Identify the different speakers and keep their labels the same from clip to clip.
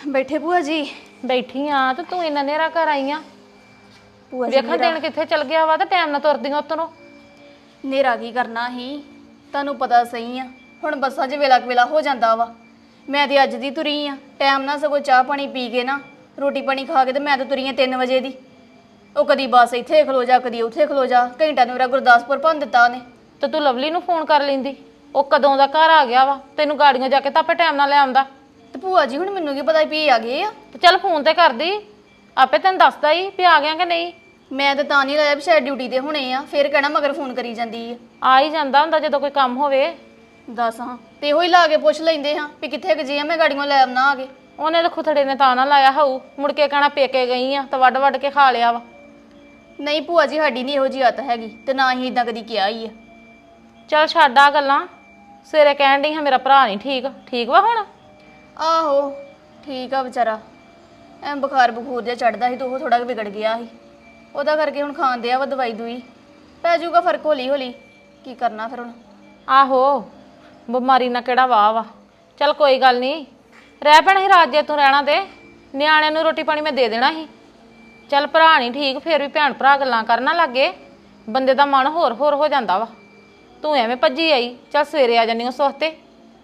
Speaker 1: ਬੈਠੇ ਭੂਆ ਜੀ।
Speaker 2: ਬੈਠੀ ਆ ਤੇ ਤੂੰ ਇੰਨਾ ਨੇਰਾ ਘਰ ਆਈ ਆ।
Speaker 1: ਭੂਆ ਜੀ
Speaker 2: ਵੇਖਾਂ ਦਿਨ ਕਿੱਥੇ ਚਲ ਗਿਆ ਵਾ ਤੇ ਟਾਈਮ ਨਾਲ ਤੁਰਦੀਆਂ ਉਤੋਂ।
Speaker 1: ਨੇਰਾ ਕੀ ਕਰਨਾ ਸੀ, ਤੁਹਾਨੂੰ ਪਤਾ ਸਹੀ ਆ। ਹੁਣ ਬੱਸਾਂ 'ਚ ਵੇਲਾ ਹੋ ਜਾਂਦਾ ਵਾ। ਮੈਂ ਤੇ ਅੱਜ ਦੀ ਤੁਰੀ ਆ ਟਾਈਮ ਨਾਲ, ਸਗੋਂ ਚਾਹ ਪਾਣੀ ਪੀ ਕੇ ਨਾ ਰੋਟੀ ਪਾਣੀ ਖਾ ਕੇ ਤੇ ਮੈਂ ਤਾਂ ਤੁਰੀ ਆ 3 ਵਜੇ ਦੀ। ਉਹ ਕਦੀ ਬੱਸ ਇੱਥੇ ਖਲੋ ਜਾ, ਕਦੀ ਉੱਥੇ ਖਲੋ ਜਾ, ਘੰਟਾ ਨੂੰ ਮੇਰਾ ਗੁਰਦਾਸਪੁਰ ਭੰਨ ਦਿੱਤਾ ਉਹਨੇ।
Speaker 2: ਤੇ ਤੂੰ ਲਵਲੀ ਨੂੰ ਫੋਨ ਕਰ ਲੈਂਦੀ, ਉਹ ਕਦੋਂ ਦਾ ਘਰ ਆ ਗਿਆ ਵਾ। ਤੈਨੂੰ ਗਾੜੀਆਂ ਜਾ ਕੇ ਤਾਂ ਆਪੇ ਟਾਈਮ ਨਾਲ ਲੈ ਆਉਂਦਾ।
Speaker 1: ਤੇ ਭੂਆ ਜੀ ਹੁਣ ਮੈਨੂੰ ਕੀ ਪਤਾ ਵੀ ਆ ਗਏ ਆ।
Speaker 2: ਤੇ ਚੱਲ ਫੋਨ ਤੇ ਕਰਦੀ, ਆਪੇ ਤੈਨੂੰ ਦੱਸਦਾ ਹੀ ਵੀ ਆ ਗਿਆ ਕਿ ਨਹੀਂ।
Speaker 1: ਮੈਂ ਤਾਂ ਨਹੀਂ ਲਾਇਆ ਵੀ ਸ਼ਾਇਦ ਡਿਊਟੀ ਤੇ ਹੋਣੇ ਆ, ਫਿਰ ਕਹਿਣਾ ਮਗਰ ਫੋਨ ਕਰੀ ਜਾਂਦੀ
Speaker 2: ਆ ਹੀ ਜਾਂਦਾ ਹੁੰਦਾ ਜਦੋਂ ਕੋਈ ਕੰਮ ਹੋਵੇ।
Speaker 1: ਦੱਸ ਹਾਂ, ਤੇ ਇਹੋ ਹੀ ਲਾ ਕੇ ਪੁੱਛ ਲੈਂਦੇ ਹਾਂ ਵੀ ਕਿੱਥੇ ਗਏ ਆ, ਮੈਂ ਗਾੜੀਆਂ ਲੈ ਆਉਣਾ ਆ ਕੇ।
Speaker 2: ਉਹਨੇ ਤਾਂ ਖੁਥੜੇ ਨੇ ਤਾਂ ਨਾ ਲਾਇਆ ਹੋਊ, ਮੁੜ ਕੇ ਕਹਿਣਾ ਪੇਕੇ ਗਈ ਆ ਤਾਂ ਵੱਢ ਵੱਢ ਕੇ ਖਾ ਲਿਆ ਵਾ।
Speaker 1: ਨਹੀਂ ਭੂਆ ਜੀ, ਸਾਡੀ ਨਹੀਂ ਇਹੋ ਜਿਹੀ ਆਦਤ ਹੈਗੀ, ਤੇ ਨਾ ਹੀ ਇਦਾਂ ਕਦੀ ਕਿਹਾ ਹੀ ਆ।
Speaker 2: ਚੱਲ ਛੱਡ ਆ ਗੱਲਾਂ। ਸਵੇਰੇ ਕਹਿਣ ਡਈ ਹਾਂ ਮੇਰਾ ਭਰਾ ਨਹੀਂ ਠੀਕ ਵਾ ਹੁਣ।
Speaker 1: ਆਹੋ ਠੀਕ ਆ ਵਿਚਾਰਾ, ਐ ਬੁਖਾਰ ਬਖੂਰ ਜਿਹਾ ਚੜਦਾ ਸੀ ਤੇ ਉਹ ਥੋੜਾ ਵਿਗੜ ਗਿਆ ਸੀ, ਉਹਦਾ ਕਰਕੇ ਹੁਣ ਖਾਣ ਦਿਆ ਵਾ ਦਵਾਈ ਦੂਈ, ਪੈ ਜਾਊਗਾ ਫਰਕ ਹੌਲੀ ਹੌਲੀ। ਕੀ ਕਰਨਾ ਫਿਰ ਹੁਣ।
Speaker 2: ਆਹੋ ਬਿਮਾਰੀ ਨਾਲ ਕਿਹੜਾ ਵਾਹ ਵਾ। ਚੱਲ ਕੋਈ ਗੱਲ ਨਹੀਂ, ਰਹਿ ਪੈਣਾ ਸੀ ਰਾਤ ਜੇ ਤੂੰ ਰਹਿਣਾ ਤੇ ਨਿਆਣਿਆਂ ਨੂੰ ਰੋਟੀ ਪਾਣੀ ਮੈਂ ਦੇ ਦੇਣਾ ਸੀ। ਚੱਲ ਭਰਾ ਨਹੀਂ ਠੀਕ, ਫਿਰ ਵੀ ਭੈਣ ਭਰਾ ਗੱਲਾਂ ਕਰਨਾ ਲੱਗੇ, ਬੰਦੇ ਦਾ ਮਨ ਹੋਰ ਹੋ ਜਾਂਦਾ ਵਾ। ਤੂੰ ਐਵੇਂ ਭੱਜੀ ਆਈ, ਚੱਲ ਸਵੇਰੇ ਆ ਜਾਂਦੀ ਉਸ ਵਕਤੇ।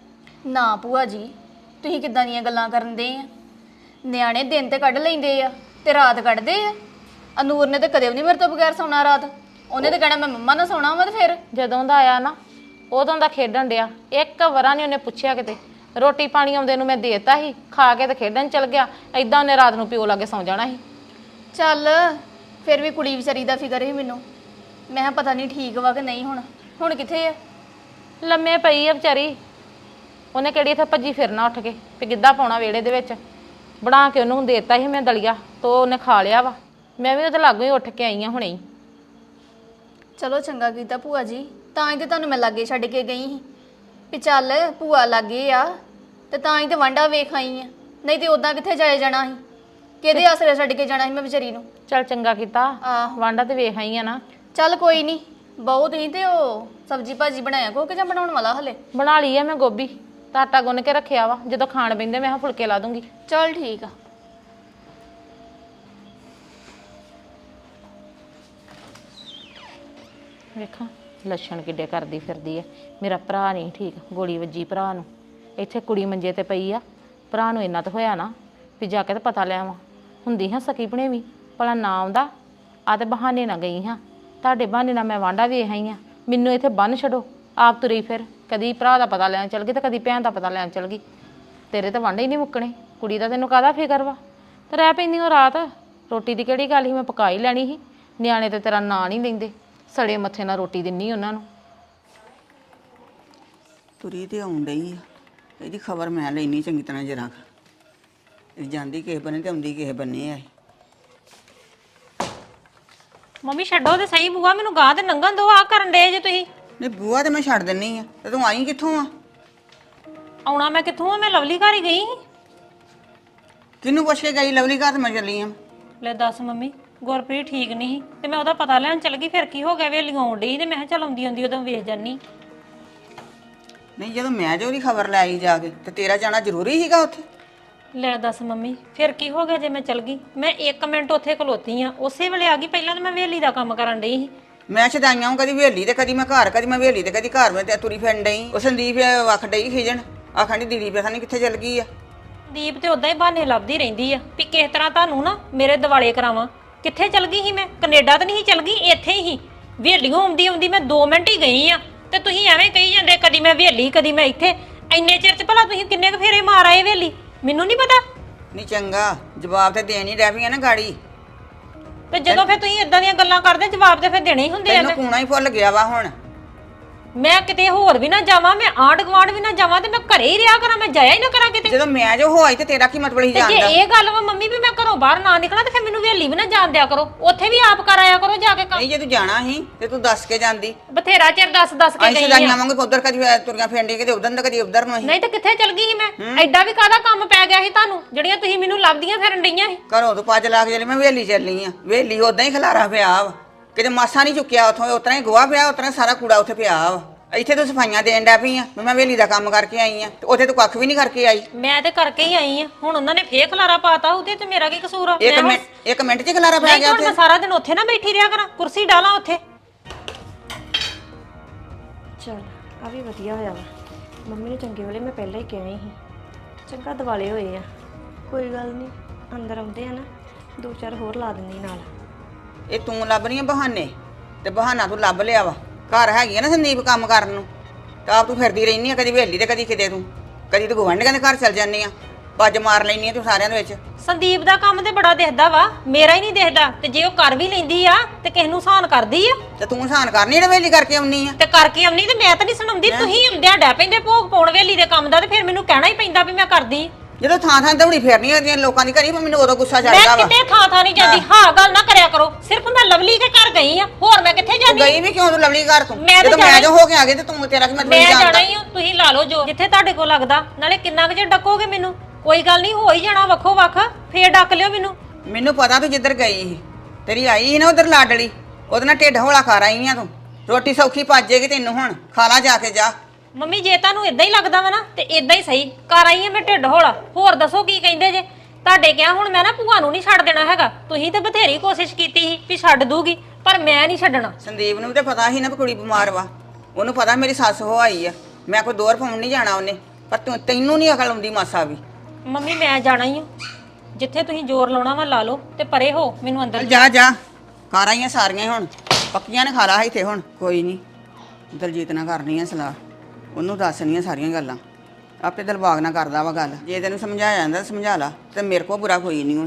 Speaker 1: ਨਾ ਭੂਆ ਜੀ, ਤੁਸੀਂ ਕਿੱਦਾਂ ਦੀਆਂ ਗੱਲਾਂ ਕਰਨ ਦੇ ਆ। ਨਿਆਣੇ ਦਿਨ ਤੇ ਕੱਢ ਲੈਂਦੇ ਆ ਤੇ ਰਾਤ ਕੱਢਦੇ ਆ। ਅਨੂਰ ਨੇ ਤੇ ਕਦੇ ਵੀ ਨਹੀਂ ਮੇਰੇ ਤੋਂ ਬਗੈਰ ਸੌਣਾ ਰਾਤ। ਉਹਨੇ ਤੇ ਕਹਿਣਾ ਮੈਂ ਮੰਮਾ ਨਾਲ ਸੌਣਾ ਵਾ। ਤੇ ਫਿਰ
Speaker 2: ਜਦੋਂ ਦਾ ਆਇਆ ਨਾ ਉਦੋਂ ਦਾ ਖੇਡਣ ਡਿਆ, ਇੱਕ ਵਾਰਾ ਨਹੀਂ ਉਹਨੇ ਪੁੱਛਿਆ ਕਿਤੇ। ਰੋਟੀ ਪਾਣੀ ਆਉਂਦੇ ਨੂੰ ਮੈਂ ਦੇਤਾ ਸੀ, ਖਾ ਕੇ ਤੇ ਖੇਡਣ ਚਲ ਗਿਆ। ਐਦਾਂ ਉਹਨੇ ਰਾਤ ਨੂੰ ਪਿਓ ਲਾਗੇ ਸੌਂ ਜਾਣਾ ਸੀ।
Speaker 1: ਚੱਲ ਫਿਰ ਵੀ ਕੁੜੀ ਵਿਚਾਰੀ ਦਾ ਫਿਕਰ ਸੀ ਮੈਨੂੰ। ਮੈਂ ਕਿਹਾ ਪਤਾ ਨਹੀਂ ਠੀਕ ਵਾ ਕਿ ਨਹੀਂ। ਹੁਣ ਕਿੱਥੇ ਆ?
Speaker 2: ਲੰਮੇ ਪਈ ਆ ਵਿਚਾਰੀ। ਉਹਨੇ ਕਿਹੜੀ ਇੱਥੇ ਭੱਜੀ ਫਿਰਨਾ ਉੱਠ ਕੇ ਵੀ ਗਿੱਧਾ ਪਾਉਣਾ ਵਿਹੜੇ ਦੇ ਵਿੱਚ। ਬਣਾ ਕੇ ਉਹਨੂੰ ਦੇਤਾ ਸੀ ਮੈਂ ਦਲੀਆ, ਤੋ ਉਹਨੇ ਖਾ ਲਿਆ ਵਾ। ਮੈਂ ਵੀ ਉਹਦੇ ਲਾਗੋਂ ਹੀ ਉੱਠ ਕੇ ਆਈ ਹਾਂ ਹੁਣੇ ਹੀ।
Speaker 1: ਚਲੋ ਚੰਗਾ ਕੀਤਾ ਭੂਆ ਜੀ, ਤਾਂ ਹੀ ਤੇ ਤੁਹਾਨੂੰ ਮੈਂ ਲਾਗੇ ਛੱਡ ਕੇ ਗਈ ਸੀ ਵੀ ਚੱਲ ਭੂਆ ਲਾਗੇ ਆ, ਤੇ ਤਾਂ ਹੀ ਤੇ ਵਾਂਡਾ ਵੇਖ ਆਈ ਆ। ਨਹੀਂ ਤੇ ਉਦਾਂ ਕਿੱਥੇ ਜਾਏ ਜਾਣਾ ਸੀ, ਕਿਹਦੇ ਆਸਰੇ ਛੱਡ ਕੇ ਜਾਣਾ ਸੀ ਮੈਂ ਵਿਚਾਰੀ ਨੂੰ।
Speaker 2: ਚੱਲ ਚੰਗਾ ਕੀਤਾ,
Speaker 1: ਆਹ
Speaker 2: ਵਾਂਡਾ ਤੇ ਵੇਖ ਆਈ ਆ ਨਾ।
Speaker 1: ਚੱਲ ਕੋਈ ਨਹੀਂ, ਬਹੁਤ ਹੀ। ਤੇ ਉਹ ਸਬਜ਼ੀ ਭਾਜੀ ਬਣਾਇਆ ਕੋ ਕਿ ਜਾਂ ਬਣਾਉਣ ਵਾਲਾ ਹਲੇ?
Speaker 2: ਬਣਾ ਲਈ ਆ ਮੈਂ ਗੋਭੀ, ਤਾਂ ਆਟਾ ਗੁੰਨ ਕੇ ਰੱਖਿਆ ਵਾ। ਜਦੋਂ ਖਾਣ ਬਹਿੰਦੇ ਮੈਂ ਫੁਲਕੇ ਲਾ ਦੂੰਗੀ।
Speaker 1: ਚੱਲ ਠੀਕ ਆ।
Speaker 2: ਵੇਖਾਂ ਲੱਛਣ ਕਿੱਡੇ ਕਰਦੀ ਫਿਰਦੀ ਐ। ਮੇਰਾ ਭਰਾ ਨਹੀਂ ਠੀਕ, ਗੋਲੀ ਵੱਜੀ ਭਰਾ ਨੂੰ। ਇੱਥੇ ਕੁੜੀ ਮੰਜੇ ਤੇ ਪਈ ਆ, ਭਰਾ ਨੂੰ ਇੰਨਾ ਤਾਂ ਹੋਇਆ ਨਾ ਵੀ ਜਾ ਕੇ ਤਾਂ ਪਤਾ ਲੈ ਆਵਾਂ। ਹੁੰਦੀ ਹਾਂ ਸਕੀ ਭਣੇਵੀਂ, ਭਲਾ ਨਾ ਆਉਂਦਾ। ਆ ਤੇ ਬਹਾਨੇ ਨਾ ਗਈ ਹਾਂ, ਤੁਹਾਡੇ ਬਹਾਨੇ ਨਾਲ ਮੈਂ ਵਾਂਡਾ ਵੇਖ ਆਈ ਹਾਂ। ਮੈਨੂੰ ਇੱਥੇ ਬੰਨ ਛੱਡੋ, ਆਪ ਤੁਰੀ ਫਿਰ। ਕਦੀ ਭਰਾ ਦਾ ਪਤਾ ਲੈਣ ਚਲ ਗਈ ਤੇ ਕਦੀ ਭੈਣ ਦਾ ਪਤਾ ਲੈਣ ਚਲ ਗਈ। ਤੇਰੇ ਤਾਂ ਵਾਂਡੇ ਹੀ ਨਹੀਂ ਮੁੱਕਣੇ। ਕੁੜੀ ਦਾ ਤੈਨੂੰ ਕਾਹਦਾ ਫਿਕਰ ਵਾ? ਤੇ ਰਹਿ ਪੈਂਦੀ ਉਹ ਰਾਤ। ਰੋਟੀ ਦੀ ਕਿਹੜੀ ਗੱਲ ਸੀ, ਮੈਂ ਪਕਾ ਹੀ ਲੈਣੀ ਸੀ। ਨਿਆਣੇ ਤੇ ਤੇਰਾ ਨਾਂ ਨਹੀਂ ਲੈਂਦੇ, ਸੜੇ ਮੱਥੇ ਨਾਲ ਰੋਟੀ ਦਿੰਨੀ ਉਹਨਾਂ ਨੂੰ।
Speaker 3: ਤੁਰੀ ਤੇ ਆਉਣ ਡਈ ਆ, ਇਹਦੀ ਖਬਰ ਮੈਂ ਲੈਣੀ ਚੰਗੀ ਤਰ੍ਹਾਂ ਜਰਾ। ਇਹ ਜਾਂਦੀ ਕਿਸੇ ਬੰਨੇ ਤੇ ਆਉਂਦੀ ਕਿਸੇ ਬੰਨੇ ਆ।
Speaker 4: ਮੰਮੀ ਛੱਡੋ ਤੇ ਸਹੀ ਬੂਆ, ਮੈਨੂੰ ਗਾਂ ਤੇ ਨੰਗਣ ਦੋ। ਆ ਕਰਨ ਡੇ ਜੇ ਤੁਸੀਂ?
Speaker 3: ਨਹੀਂ ਬੂਆ ਤੇ ਮੈਂ ਛੱਡ ਦਿੰਨੀ ਆ, ਤੇ ਤੂੰ ਆਈ ਕਿੱਥੋਂ ਆ?
Speaker 4: ਆਉਣਾ ਮੈਂ ਕਿੱਥੋਂ ਆ? ਮੈਂ ਲਵਲੀ ਘਰ ਹੀ ਗਈ ਸੀ।
Speaker 3: ਕਿਹਨੂੰ ਪੁੱਛ ਕੇ ਗਈ? ਲਵਲੀ ਘਰ ਮੈਂ ਚੱਲੀ ਆ।
Speaker 4: ਲੈ ਦੱਸ ਮੰਮੀ, ਗੁਰਪ੍ਰੀਤ ਠੀਕ ਨਹੀਂ ਸੀ ਤੇ ਮੈਂ ਉਹਦਾ ਪਤਾ ਲੈਣ ਚੱਲ ਗਈ। ਫਿਰ ਕੀ ਹੋ ਗਿਆ? ਵੇਲੀ ਆਉਣ ਡਈ ਤੇ ਮੈਂ ਕਿਹਾ ਚੱਲ ਆਉਂਦੀ ਉਦੋਂ ਵੇਖ ਜਾਨੀ।
Speaker 3: ਨਹੀਂ ਜਦੋਂ ਮੈਂ ਜੋ ਉਹਦੀ ਖਬਰ ਲੈ ਆਈ ਜਾ ਕੇ, ਤੇ ਤੇਰਾ ਜਾਣਾ ਜ਼ਰੂਰੀ ਸੀਗਾ ਉੱਥੇ?
Speaker 4: ਲੈ ਦੱਸ ਮੰਮੀ, ਫਿਰ ਕੀ ਹੋ ਗਿਆ ਜੇ ਮੈਂ ਚੱਲ ਗਈ? ਮੈਂ 1 ਮਿੰਟ ਉੱਥੇ ਖਲੋਤੀ ਆ, ਉਸੇ ਵੇਲੇ ਆ ਗਈ। ਪਹਿਲਾਂ ਤਾਂ ਮੈਂ ਵੇਲੀ ਦਾ ਕੰਮ ਕਰਨ ਡਈ ਸੀ।
Speaker 3: ਮੈਂ ਛਦਾਈਆਂ ਹਾਂ, ਕਦੀ ਵੇਲੀ ਤੇ ਕਦੀ ਮੈਂ ਘਰ, ਕਦੀ ਮੈਂ ਵੇਲੀ ਤੇ ਕਦੀ ਘਰ। ਮੈਂ ਤੇ ਤੁਰੀ ਫਿਰਨ ਡਈ। ਉਹ ਸੰਦੀਪ ਵਖ ਡਈ ਖਿਜਣ, ਆਖਣ ਦੀ ਦੀਦੀ ਪਤਾ ਨਹੀਂ ਕਿੱਥੇ ਚੱਲ ਗਈ ਆ।
Speaker 4: ਦੀਪ ਤੇ ਉਦਾਂ ਹੀ ਬਹਾਨੇ ਲੱਭਦੀ ਰਹਿੰਦੀ ਆ ਵੀ ਕਿਸ ਤਰ੍ਹਾਂ ਤੁਹਾਨੂੰ ਨਾ ਮੇਰੇ ਦਿਵਾਲੇ ਕਰਾਵਾਂ। ਕਿੱਥੇ ਚੱਲ ਗਈ ਸੀ ਮੈਂ? ਕੈਨੇਡਾ ਤਾਂ ਨਹੀਂ ਚੱਲ ਗਈ, ਇੱਥੇ ਹੀ ਵੇਲੀਓਂ ਆਉਂਦੀ ਆਉਂਦੀ ਮੈਂ 2 ਮਿੰਟ ਹੀ ਗਈ ਆ। ਤੇ ਤੁਸੀਂ ਐਵੇਂ ਕਹੀ ਜਾਂਦੇ ਕਦੀ ਮੈਂ ਵੇਲੀ ਕਦੀ ਮੈਂ ਇੱਥੇ। ਇੰਨੇ ਚਿਰ ਚ ਭਲਾ ਤੁਸੀਂ ਕਿੰਨੇ ਕੁ ਫੇਰੇ ਮਾਰ ਆਏ ਵੇਲੀ? ਮੈਨੂੰ ਨਹੀਂ ਪਤਾ।
Speaker 3: ਨਹੀਂ ਚੰਗਾ, ਜਵਾਬ ਤੇ ਦੇਣ ਹੀ ਰਹਿ ਪਈਆਂ ਨਾ ਗਾੜੀ।
Speaker 4: ਤੇ ਜਦੋਂ ਫਿਰ ਤੁਸੀਂ ਇਦਾਂ ਦੀਆਂ ਗੱਲਾਂ ਕਰਦੇ, ਜਵਾਬ ਤੇ ਫਿਰ ਦੇਣੇ ਹੀ ਹੁੰਦੇ ਆ।
Speaker 3: ਤੈਨੂੰ ਕੂਣਾ ਹੀ ਫੁੱਲ ਗਿਆ ਵਾ ਹੁਣ।
Speaker 4: ਮੈਂ ਕਿਤੇ ਹੋਰ ਵੀ ਨਾ ਜਾਵਾਂ, ਮੈਂ ਆਂਢ ਗੁਆਂਢ ਵੀ ਨਾ ਜਾਵਾਂ, ਤੇ ਮੈਂ ਘਰੇ ਹੀ ਰਿਹਾ ਕਰਾਂ, ਮੈਂ ਜਾਇਆ ਹੀ ਨਾ ਕਰਾਂ ਕਿਤੇ।
Speaker 3: ਜਦੋਂ ਮੈਂ ਜੋ ਹੋਈ ਤੇ ਤੇਰਾ ਕੀ ਮਤਲਬ ਹੀ
Speaker 4: ਤੇ
Speaker 3: ਜਾਂਦਾ?
Speaker 4: ਜੇ ਇਹ ਗੱਲ ਵਾ ਮੰਮੀ ਵੀ ਮੈਂ ਘਰੋਂ ਬਾਹਰ ਨਾ ਨਿਕਲਾਂ, ਤੇ ਫਿਰ ਮੈਨੂੰ ਵੇਲੀ ਵੀ ਨਾ ਜਾਣ ਦਿਆ ਕਰੋ। ਉੱਥੇ ਵੀ ਆਪ ਕਰ ਆਇਆ ਕਰੋ ਜਾ ਕੇ ਕੰਮ।
Speaker 3: ਨਹੀਂ ਜੇ ਤੂੰ ਜਾਣਾ ਸੀ ਤੇ ਤੂੰ ਦੱਸ ਕੇ ਜਾਂਦੀ।
Speaker 4: ਬਥੇਰਾ ਚਿਰ ਦੱਸ ਕੇ
Speaker 3: ਅਸੀਂ
Speaker 4: ਗਈ
Speaker 3: ਸਦਾਈਆਂ
Speaker 4: ਆ।
Speaker 3: ਵਾਂਗੇ ਉਧਰ ਕਦੀ ਤੁਰੀਆਂ ਫੇਂਡੀ ਕਿਤੇ ਉਧਰ ਨਾ ਕਦੀ ਉਧਰ ਨੂੰ। ਅਸੀਂ
Speaker 4: ਨਹੀਂ ਤੇ ਕਿੱਥੇ ਚਲ ਗਈ ਸੀ ਮੈਂ? ਐਡਾ ਵੀ ਕਾਹਦਾ ਕੰਮ ਪੈ ਗਿਆ ਸੀ ਤੁਹਾਨੂੰ, ਜਿਹੜੀਆਂ ਤੁਸੀਂ ਮੈਨੂੰ ਲੱਭਦੀਆਂ ਫਿਰਨ ਡਈਆਂ ਸੀ?
Speaker 3: ਘਰੋਂ ਤੂੰ ਪੱਜ ਲਾ ਕੇ ਚੱਲੀ, ਮੈਂ ਵੇਲੀ ਚੱਲੀ ਆ। ਵੇਲੀ ਉਦਾਂ ਹੀ ਖਲਾਰਾ ਪਿਆ ਵਾ, ਕਿਤੇ ਮਾਸਾ ਨਹੀਂ ਚੁੱਕਿਆ ਉੱਥੋਂ। ਉਤਰਾ ਹੀ ਗੋਹਾ ਪਿਆ, ਉਤਰਾ ਸਾਰਾ ਕੂੜਾ ਉੱਥੇ ਪਿਆ ਵਾ। ਇੱਥੇ ਤੂੰ ਸਫਾਈਆਂ ਦੇਣ ਡੈ ਪਈ ਆ ਵੀ ਮੈਂ ਵੇਲੀ ਦਾ ਕੰਮ ਕਰਕੇ ਆਈ ਆ ਤੇ ਉੱਥੇ ਤੂੰ ਕੱਖ ਵੀ ਨਹੀਂ ਕਰਕੇ ਆਈ।
Speaker 4: ਮੈਂ ਤੇ ਕਰਕੇ ਹੀ ਆਈ ਆ। ਹੁਣ ਉਹਨਾਂ ਨੇ ਫੇਰ ਖਲਾਰਾ ਪਾਤਾ, ਉਹਦੇ ਤੇ ਮੇਰਾ ਕੀ ਕਸੂਰ ਆ?
Speaker 3: ਇੱਕ ਮਿੰਟ 'ਚ ਖਲਾਰਾ ਪੈ
Speaker 4: ਨਹੀਂ
Speaker 3: ਗਿਆ
Speaker 4: ਹੁਣ
Speaker 3: ਉੱਥੇ।
Speaker 4: ਮੈਂ ਸਾਰਾ ਦਿਨ ਉੱਥੇ ਨਾ ਬੈਠੀ ਰਿਹਾ ਕਰਾਂ, ਕੁਰਸੀ ਡਾਲਾਂ ਉੱਥੇ।
Speaker 5: ਚਲ ਆ ਵੀ ਵਧੀਆ ਹੋਇਆ ਵਾ। ਮੰਮੀ ਨੂੰ ਚੰਗੇ ਵੇਲੇ ਮੈਂ ਪਹਿਲਾਂ ਹੀ ਕਿਹਾ ਸੀ, ਚੰਗਾ ਦਿਵਾਲੇ ਹੋਏ ਆ। ਕੋਈ ਗੱਲ ਨਹੀਂ, ਅੰਦਰ ਆਉਂਦੇ ਆ ਨਾ 2-4 ਹੋਰ ਲਾ ਦਿੰਦੀ ਨਾਲ।
Speaker 3: ਇਹ ਤੂੰ ਲੱਭ ਰਹੀ ਆ ਬਹਾਨੇ, ਤੇ ਬਹਾਨਾ ਤੂੰ ਲੱਭ ਲਿਆ ਵਾ। ਘਰ ਹੈਗੀ ਆ ਨਾ ਸੰਦੀਪ ਕੰਮ ਕਰਨ ਨੂੰ, ਤਾਂ ਆਪ ਤੂੰ ਫਿਰਦੀ ਰਹਿਨੀ ਆ, ਕਦੀ ਵੇਲੀ ਤੇ ਕਦੀ ਕਿਤੇ ਤੂੰ, ਕਦੀ ਤੂੰ ਗੁਆਂਢੀਆਂ ਦੇ ਘਰ ਚਲ ਜਾਂਦੀ ਆ, ਪੱਜ ਮਾਰ ਲੈਨੀ ਆ ਤੂੰ ਸਾਰਿਆਂ ਦੇ ਵਿੱਚ।
Speaker 4: ਸੰਦੀਪ ਦਾ ਕੰਮ ਤੇ ਬੜਾ ਦਿਖਦਾ ਵਾ, ਮੇਰਾ ਹੀ ਨਹੀਂ ਦਿਖਦਾ। ਤੇ ਜੇ ਉਹ ਕਰ ਵੀ ਲੈਂਦੀ ਆ ਤੇ ਕਿਸ ਨੂੰ ਸਾਨ ਕਰਦੀ ਆ?
Speaker 3: ਤੇ ਤੂੰ ਸਾਨ ਕਰਨੀ ਜਿਹੜਾ ਵੇਲੀ ਕਰਕੇ ਆਉਣੀ ਆ।
Speaker 4: ਤੇ ਕਰਕੇ ਆਉਣੀ ਤੇ ਮੈਂ ਤਾਂ ਨਹੀਂ ਸੁਣਾਉਂਦੀ। ਤੁਸੀਂ ਆਉਂਦਿਆਂ ਡੈ ਪੈਂਦੇ ਭੋਗ ਪਾਉਣ ਵੇਲੀ ਦੇ ਕੰਮ ਦਾ, ਤੇ ਫਿਰ ਮੈਨੂੰ ਕਹਿਣਾ ਹੀ ਪੈਂਦਾ ਵੀ ਮੈਂ ਕਰਦੀ।
Speaker 3: ਜਦੋਂ ਥਾਂ ਥਾਂ ਦੌੜੀ ਫੇਰਨੀ ਹੁੰਦੀਆਂ ਲੋਕਾਂ ਦੀ ਘਰੀ, ਮੈਨੂੰ ਉਦੋਂ ਗੁੱਸਾ
Speaker 4: ਮੈਂ
Speaker 3: ਚੜਦਾ ਵਾ।
Speaker 4: ਕਿਤੇ ਥਾਂ ਨਹੀਂ ਜਾਂਦੀ। ਹਾਂ ਗੱਲ ਨਾ ਕਰਿਆ ਕਰੋ। ਸਿਰਫ ਮੈਂ ਲਵਲੀ ਦੇ ਘਰ ਗਈ ਆ, ਹੋਰ ਮੈਂ ਕਿੱਥੇ
Speaker 3: ਤੂੰ
Speaker 4: ਜਾਂਦੀ?
Speaker 3: ਗਈ ਵੀ ਕਿਉਂ ਤੂੰ ਲਵਲੀ ਘਰ ਤੂੰ?
Speaker 4: ਮੈਂ ਤਾਂ
Speaker 3: ਜਦੋਂ
Speaker 4: ਜਾਣਾ
Speaker 3: ਮੈਂ ਜੋ ਹੋ ਕੇ ਆ ਗਈ ਤੇ ਤੂੰ ਤੇਰਾ ਕੀ ਮਤਲਬ
Speaker 4: ਮੈਂ
Speaker 3: ਨਹੀਂ
Speaker 4: ਜਾਣਾ
Speaker 3: ਜਾਣਦਾ?
Speaker 4: ਹੀ ਹਾਂ। ਤੁਸੀਂ ਲਾ ਲਓ ਜੋ ਜਿੱਥੇ ਤੁਹਾਡੇ ਕੋਲ ਲੱਗਦਾ। ਨਾਲੇ ਕਿੰਨਾ ਕੁ ਚਿਰ ਡੱਕੋਗੇ ਮੈਨੂੰ? ਕੋਈ ਗੱਲ ਨਹੀਂ, ਹੋ ਹੀ ਜਾਣਾ ਵੱਖੋ ਵੱਖ, ਫੇਰ ਡੱਕ ਲਿਓ ਮੈਨੂੰ।
Speaker 3: ਮੈਨੂੰ ਪਤਾ ਤੂੰ ਜਿੱਧਰ ਗਈ ਸੀ, ਤੇਰੀ ਆਈ ਸੀ ਨਾ ਉਧਰ ਲਾਡਲੀ, ਉਹਦੇ ਨਾਲ ਢਿੱਡ ਹੌਲਾ ਕਰ ਆਈ ਆ ਤੂੰ। ਰੋਟੀ ਸੌਖੀ ਪਾਜੇਗੀ ਤੈਨੂੰ, ਹੁਣ ਖਾ ਲਾ ਜਾ ਕੇ ਜਾ।
Speaker 4: ਮੰਮੀ ਜੇ ਤੁਹਾਨੂੰ ਇਦਾਂ ਹੀ ਲੱਗਦਾ ਵਾ ਨਾ ਤੇ ਇਦਾਂ ਹੀ ਸਹੀ ਕਰ ਆਈ ਆ ਮੈਂ ਢਿੱਡ ਹੌਲਾ। ਹੋਰ ਦੱਸੋ ਕੀ ਕਹਿੰਦੇ ਜੇ? ਤੁਹਾਡੇ ਕਿਹਾ ਹੁਣ ਮੈਂ ਨਾ ਭੂਆ ਨੂੰ ਨਹੀਂ ਛੱਡ ਦੇਣਾ ਹੈਗਾ। ਤੁਸੀਂ ਤੇ ਬਥੇਰੀ ਕੋਸ਼ਿਸ਼ ਕੀਤੀ ਸੀ ਵੀ ਛੱਡ ਦੂਗੀ, ਪਰ ਮੈਂ ਨਹੀਂ ਛੱਡਣਾ।
Speaker 3: ਸੰਦੀਪ ਨੂੰ ਤੇ ਪਤਾ ਸੀ ਨਾ ਵੀ ਕੁੜੀ ਬਿਮਾਰ ਵਾ, ਉਹਨੂੰ ਪਤਾ ਮੇਰੀ ਸੱਸ ਹੋ ਆਈ ਆ, ਮੈਂ ਕੋਈ ਦੋਰ ਪਾਉਣ ਨਹੀਂ ਜਾਣਾ ਉਹਨੇ, ਪਰ ਤੈਨੂੰ ਨਹੀਂ ਅਕਲ ਆਉਂਦੀ ਮਾਸਾ ਵੀ।
Speaker 4: ਮੰਮੀ ਮੈਂ ਜਾਣਾ ਹੀ ਆ, ਜਿੱਥੇ ਤੁਸੀਂ ਜ਼ੋਰ ਲਾਉਣਾ ਵਾ ਲਾ ਲਓ ਤੇ ਪਰੇ ਹੋ, ਮੈਨੂੰ ਅੰਦਰ
Speaker 3: ਜਾ ਜਾ ਕਰ ਆਈਆਂ ਸਾਰੀਆਂ ਹੁਣ ਪੱਕੀਆਂ ਨੇ, ਖਾ ਲਾ ਇੱਥੇ ਹੁਣ। ਕੋਈ ਨਹੀਂ, ਦਲਜੀਤ ਨਾਲ ਕਰਨੀ ਆ ਸਲਾਹ, ਉਹਨੂੰ ਦੱਸਣੀਆਂ ਸਾਰੀਆਂ ਗੱਲਾਂ। ਆਪੇ ਦਿਲਬਾਗ ਨਾਲ ਕਰਦਾ ਵਾ ਗੱਲ। ਜੇ ਤੈਨੂੰ ਸਮਝਾਇਆ ਜਾਂਦਾ ਸਮਝਾ ਲਾ, ਤੇ ਮੇਰੇ ਕੋਲ ਬੁਰਾ ਕੋਈ ਨਹੀਂ ਹੁਣ।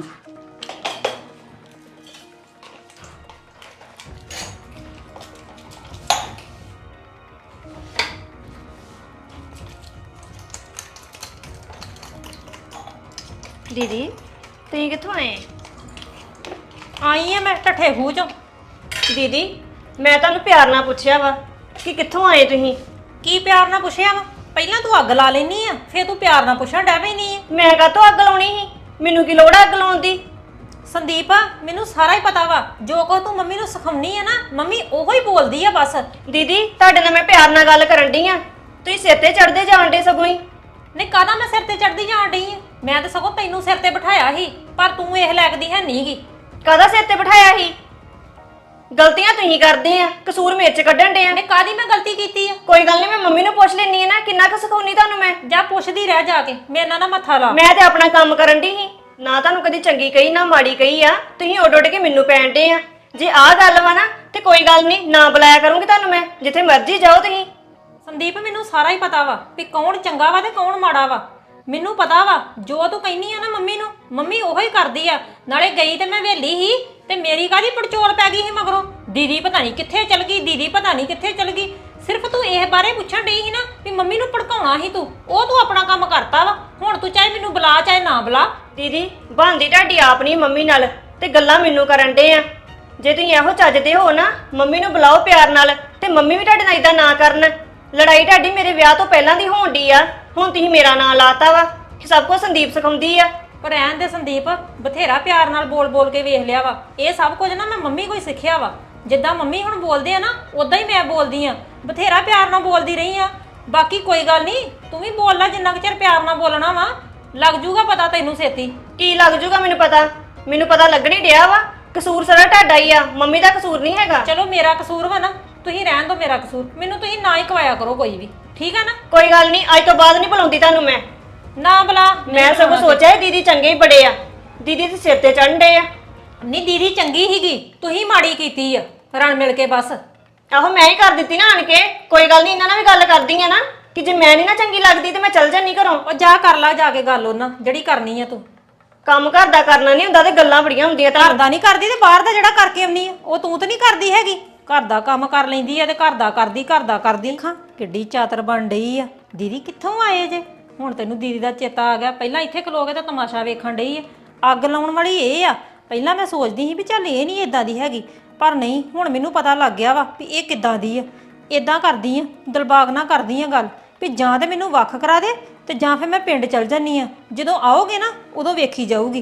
Speaker 5: ਦੀਦੀ ਤੁਸੀਂ ਕਿੱਥੋਂ ਆਏ?
Speaker 4: ਆਈ ਆ ਮੈਂ ਠੱਠੇ ਖੂਹ ਚੋਂ।
Speaker 5: ਦੀਦੀ ਮੈਂ ਤੁਹਾਨੂੰ ਪਿਆਰ ਨਾਲ ਪੁੱਛਿਆ ਵਾ ਕਿ ਕਿੱਥੋਂ ਆਏ ਤੁਸੀਂ।
Speaker 4: ਕੀ ਪਿਆਰ ਨਾਲ ਪੁੱਛਿਆ ਵਾ? ਪਹਿਲਾਂ ਤੂੰ ਅੱਗ ਲਾ ਲੈਨੀ ਆ, ਫੇਰ ਤੂੰ ਪਿਆਰ ਨਾਲ ਪੁੱਛਣ ਡੈ ਪੈਣੀ ਆ।
Speaker 5: ਮੈਂ ਕਾਹਤੋਂ ਅੱਗ ਲਾਉਣੀ ਸੀ? ਮੈਨੂੰ ਕੀ ਲੋੜ ਆ ਅੱਗ ਲਾਉਣ ਦੀ?
Speaker 4: ਸੰਦੀਪ ਮੈਨੂੰ ਸਾਰਾ ਹੀ ਪਤਾ ਵਾ, ਜੋ ਕੁਝ ਤੂੰ ਮੰਮੀ ਨੂੰ ਸਿਖਾਉਣੀ ਆ ਨਾ, ਮੰਮੀ ਉਹੋ ਹੀ ਬੋਲਦੀ ਆ ਬਸ।
Speaker 5: ਦੀਦੀ ਤੁਹਾਡੇ ਨਾਲ ਮੈਂ ਪਿਆਰ ਨਾਲ ਗੱਲ ਕਰਨ ਡਈ ਆ, ਤੁਸੀਂ ਸਿਰ ਤੇ ਚੜਦੇ ਜਾਣ ਡੇ ਸਗੋਂ ਹੀ।
Speaker 4: ਨਹੀਂ ਕਾਹਦਾ ਮੈਂ ਸਿਰ ਤੇ ਚੜਦੀ ਜਾਣ ਡਈ ਆ? ਮੈਂ ਤਾਂ ਸਗੋਂ ਤੈਨੂੰ ਸਿਰ ਤੇ ਬਿਠਾਇਆ ਸੀ, ਪਰ ਤੂੰ ਇਹ ਲੱਗਦੀ ਹੈ ਨਹੀਂਗੀ।
Speaker 5: ਕਾਹਦਾ ਸਿਰ ਤੇ ਬਿਠਾਇਆ ਸੀ? ਗਲਤੀਆਂ ਤੁਸੀਂ ਕਰਦੇ ਆ, ਕਸੂਰ ਮੇਰੇ ਚ ਕੱਢਣ ਡੇ ਆ।
Speaker 4: ਨੇ ਕਾਹਦੀ ਮੈਂ ਗਲਤੀ ਕੀਤੀ ਆ?
Speaker 5: ਕੋਈ ਗੱਲ ਨਹੀਂ, ਮੈਂ ਮੰਮੀ ਨੂੰ ਪੁੱਛ ਲੈਣੀ ਆ ਨਾ, ਕਿੰਨਾ ਕੁ ਸਿਖਾਉਣੀ ਤੁਹਾਨੂੰ ਮੈਂ।
Speaker 4: ਜਾ ਪੁੱਛਦੀ ਰਹਿ ਜਾ ਕੇ, ਮੇਰੇ ਨਾਲ ਨਾ ਮੱਥਾ ਲਾ।
Speaker 5: ਮੈਂ ਤੇ ਆਪਣਾ ਕੰਮ ਕਰਨ ਡਈ ਸੀ, ਨਾ ਤੁਹਾਨੂੰ ਕਦੀ ਚੰਗੀ ਕਹੀ ਨਾ ਮਾੜੀ ਕਹੀ ਆ। ਤੁਸੀਂ ਉੱਡ ਉੱਡ ਕੇ ਮੈਨੂੰ ਪੈਣ ਡੇ ਆ। ਜੇ ਆਹ ਗੱਲ ਵਾ ਨਾ ਤੇ ਕੋਈ ਗੱਲ ਨਹੀਂ, ਨਾ ਬੁਲਾਇਆ ਕਰੂੰਗੀ ਤੁਹਾਨੂੰ ਮੈਂ, ਜਿੱਥੇ ਮਰਜ਼ੀ ਜਾਓ ਤੁਸੀਂ।
Speaker 4: ਸੰਦੀਪ ਮੈਨੂੰ ਸਾਰਾ ਹੀ ਪਤਾ ਵਾ ਵੀ ਕੌਣ ਚੰਗਾ ਵਾ ਤੇ ਕੌਣ ਮਾੜਾ ਵਾ। ਮੈਨੂੰ ਪਤਾ ਵਾ ਜੋ ਤੂੰ ਕਹਿੰਦੀ ਆ ਨਾ ਮੰਮੀ ਨੂੰ, ਮੰਮੀ ਉਹੋ ਹੀ ਕਰਦੀ ਆ। ਨਾਲੇ ਗਈ ਤੇ ਮੈਂ ਵੇਲੀ ਹੀ, ਤੇ ਮੇਰੀ ਕਾਹਦੀ ਪੜਚੋਲ ਪੈ ਗਈ ਸੀ ਮਗਰੋਂ। ਦੀਦੀ ਪਤਾ ਨਹੀਂ ਕਿੱਥੇ ਚਲ ਗਈ, ਦੀਦੀ ਪਤਾ ਨਹੀਂ ਕਿੱਥੇ ਚਲ ਗਈ। ਸਿਰਫ ਤੂੰ ਇਹ ਬਾਰੇ ਪੁੱਛਣ ਡਈ ਸੀ ਨਾ ਵੀ ਮੰਮੀ ਨੂੰ ਭੜਕਾਉਣਾ ਸੀ ਤੂੰ, ਉਹ ਤੂੰ ਆਪਣਾ ਕੰਮ ਕਰਤਾ ਵਾ। ਹੁਣ ਤੂੰ ਚਾਹੇ ਮੈਨੂੰ ਬੁਲਾ ਚਾਹੇ ਨਾ ਬੁਲਾ।
Speaker 5: ਦੀਦੀ ਬਣਦੀ ਤੁਹਾਡੀ ਆਪ ਨਹੀਂ ਮੰਮੀ ਨਾਲ, ਤੇ ਗੱਲਾਂ ਮੈਨੂੰ ਕਰਨ ਡੇ ਆ। ਜੇ ਤੁਸੀਂ ਇਹੋ ਚੱਜਦੇ ਹੋ ਨਾ, ਮੰਮੀ ਨੂੰ ਬੁਲਾਓ ਪਿਆਰ ਨਾਲ, ਤੇ ਮੰਮੀ ਵੀ ਤੁਹਾਡੇ ਨਾਲ ਇਦਾਂ ਨਾ ਕਰਨ। ਲੜਾਈ ਤੁਹਾਡੀ ਮੇਰੇ ਵਿਆਹ ਤੋਂ ਪਹਿਲਾਂ ਦੀ ਹੋਣ ਡਈ ਆ, ਹੁਣ ਤੁਸੀਂ ਮੇਰਾ ਨਾਂ ਲਾਤਾ ਵਾ ਕਿ ਸਭ ਕੁਝ ਸੰਦੀਪ ਸਿਖਾਉਂਦੀ ਆ।
Speaker 4: ਪਰ ਰਹਿਣ ਦੇ ਸੰਦੀਪ, ਬਥੇਰਾ ਪਿਆਰ ਨਾਲ ਬੋਲ ਬੋਲ ਕੇ ਵੇਖ ਲਿਆ ਵਾ। ਇਹ ਸਭ ਕੁਝ ਨਾ ਮੈਂ ਮੰਮੀ ਕੋਈ ਸਿੱਖਿਆ ਵਾ। ਜਿੱਦਾਂ ਮੰਮੀ ਹੁਣ ਬੋਲਦੇ ਆ ਨਾ, ਉਦਾਂ ਹੀ ਮੈਂ ਬੋਲਦੀ ਆ। ਬਥੇਰਾ ਪਿਆਰ ਨਾਲ ਬੋਲਦੀ ਰਹੀ ਆ। ਬਾਕੀ ਕੋਈ ਗੱਲ ਨਹੀਂ, ਤੂੰ ਵੀ ਬੋਲ ਲੈ ਜਿੰਨਾ ਕੁ ਚਿਰ ਪਿਆਰ ਨਾਲ ਬੋਲਣਾ ਵਾ। ਲੱਗ ਜੂਗਾ ਪਤਾ ਤੈਨੂੰ ਛੇਤੀ।
Speaker 5: ਕੀ ਲੱਗ ਜੂਗਾ ਮੈਨੂੰ ਪਤਾ? ਮੈਨੂੰ ਪਤਾ ਲੱਗਣੀ ਡਿਆ ਵਾ। ਕਸੂਰ ਸਾਰਾ ਤੁਹਾਡਾ ਹੀ ਆ, ਮੰਮੀ ਦਾ ਕਸੂਰ ਨਹੀਂ ਹੈਗਾ।
Speaker 4: ਚਲੋ ਮੇਰਾ ਕਸੂਰ ਵਾ ਨਾ, ਤੁਸੀਂ ਰਹਿਣ ਦਿਓ ਮੇਰਾ ਕਸੂਰ। ਮੈਨੂੰ ਤੁਸੀਂ ਨਾ ਹੀ ਕਵਾਇਆ ਕਰੋ ਕੋਈ ਵੀ, ਠੀਕ ਆ ਨਾ?
Speaker 5: ਕੋਈ ਗੱਲ ਨਹੀਂ, ਅੱਜ ਤੋਂ ਬਾਅਦ ਨਹੀਂ ਬੁਲਾਉਂਦੀ ਤੁਹਾਨੂੰ ਮੈਂ।
Speaker 4: ਨਾ ਬੁਲਾ।
Speaker 5: ਮੈਂ ਸਗੋਂ ਸੋਚਿਆ ਸੀ ਦੀਦੀ ਚੰਗੇ ਹੀ ਬੜੇ ਆ, ਦੀਦੀ ਤੇ ਸਿਰ ਤੇ ਚੜ੍ਹਨ ਡੇ ਆ।
Speaker 4: ਨਹੀਂ ਦੀਦੀ ਚੰਗੀ ਹੀਗੀ, ਤੁਸੀਂ ਮਾੜੀ ਕੀਤੀ ਆ ਰਲ ਮਿਲ ਕੇ ਬਸ।
Speaker 5: ਆਹੋ ਮੈਂ ਹੀ ਕਰ ਦਿੱਤੀ ਨਾ ਆਣ ਕੇ। ਕੋਈ ਗੱਲ ਨਹੀਂ, ਇਹਨਾਂ ਨਾਲ ਵੀ ਗੱਲ ਕਰਦੀ ਆ ਨਾ ਕਿ ਜੇ ਮੈਂ ਨਹੀਂ ਨਾ ਚੰਗੀ ਲੱਗਦੀ ਤੇ ਮੈਂ ਚੱਲ ਜਾਨੀ ਘਰੋਂ।
Speaker 4: ਉਹ ਜਾ ਕਰ ਲਾ ਜਾ ਕੇ ਗੱਲ ਉਹਨਾਂ ਜਿਹੜੀ ਕਰਨੀ ਆ ਤੂੰ।
Speaker 5: ਕੰਮ ਘਰ ਦਾ ਕਰਨਾ ਨਹੀਂ ਹੁੰਦਾ ਤੇ ਗੱਲਾਂ ਬੜੀਆਂ ਹੁੰਦੀਆਂ
Speaker 4: ਘਰ ਦਾ ਨਹੀਂ ਕਰਦੀ ਤੇ ਬਾਹਰ ਦਾ ਜਿਹੜਾ ਕਰਕੇ ਆਉਣੀ ਆ ਉਹ ਤੂੰ ਤੇ ਨਹੀਂ ਕਰਦੀ ਹੈਗੀ। ਘਰ ਦਾ ਕੰਮ ਕਰ ਲੈਂਦੀ ਆ ਤੇ ਘਰ ਦਾ ਕਰਦੀ ਖਾਂ ਕਿੱਡੀ ਚਾਤਰ ਬਣ ਡਈ ਆ। ਦੀਦੀ ਕਿੱਥੋਂ ਆਏ ਜੇ? ਹੁਣ ਤੈਨੂੰ ਦੀਦੀ ਦਾ ਚੇਤਾ ਆ ਗਿਆ। ਪਹਿਲਾਂ ਇੱਥੇ ਖਲੋ ਕੇ ਤਾਂ ਤਮਾਸ਼ਾ ਵੇਖਣ ਡਈ ਆ। ਅੱਗ ਲਾਉਣ ਵਾਲੀ ਇਹ ਆ। ਪਹਿਲਾਂ ਮੈਂ ਸੋਚਦੀ ਸੀ ਵੀ ਚੱਲ ਇਹ ਨਹੀਂ ਇਦਾਂ ਦੀ ਹੈਗੀ, ਪਰ ਨਹੀਂ, ਹੁਣ ਮੈਨੂੰ ਪਤਾ ਲੱਗ ਗਿਆ ਵਾ ਵੀ ਇਹ ਕਿੱਦਾਂ ਦੀ ਆ। ਇਦਾਂ ਕਰਦੀ ਆ, ਦਿਲਬਾਗ ਨਾ ਕਰਦੀ ਆ ਗੱਲ ਵੀ ਜਾਂ ਤੇ ਮੈਨੂੰ ਵੱਖ ਕਰਾ ਦੇ ਤੇ ਜਾਂ ਫਿਰ ਮੈਂ ਪਿੰਡ ਚਲ ਜਾਨੀ ਆ। ਜਦੋਂ ਆਓਗੇ ਨਾ ਉਦੋਂ ਵੇਖੀ ਜਾਊਗੀ।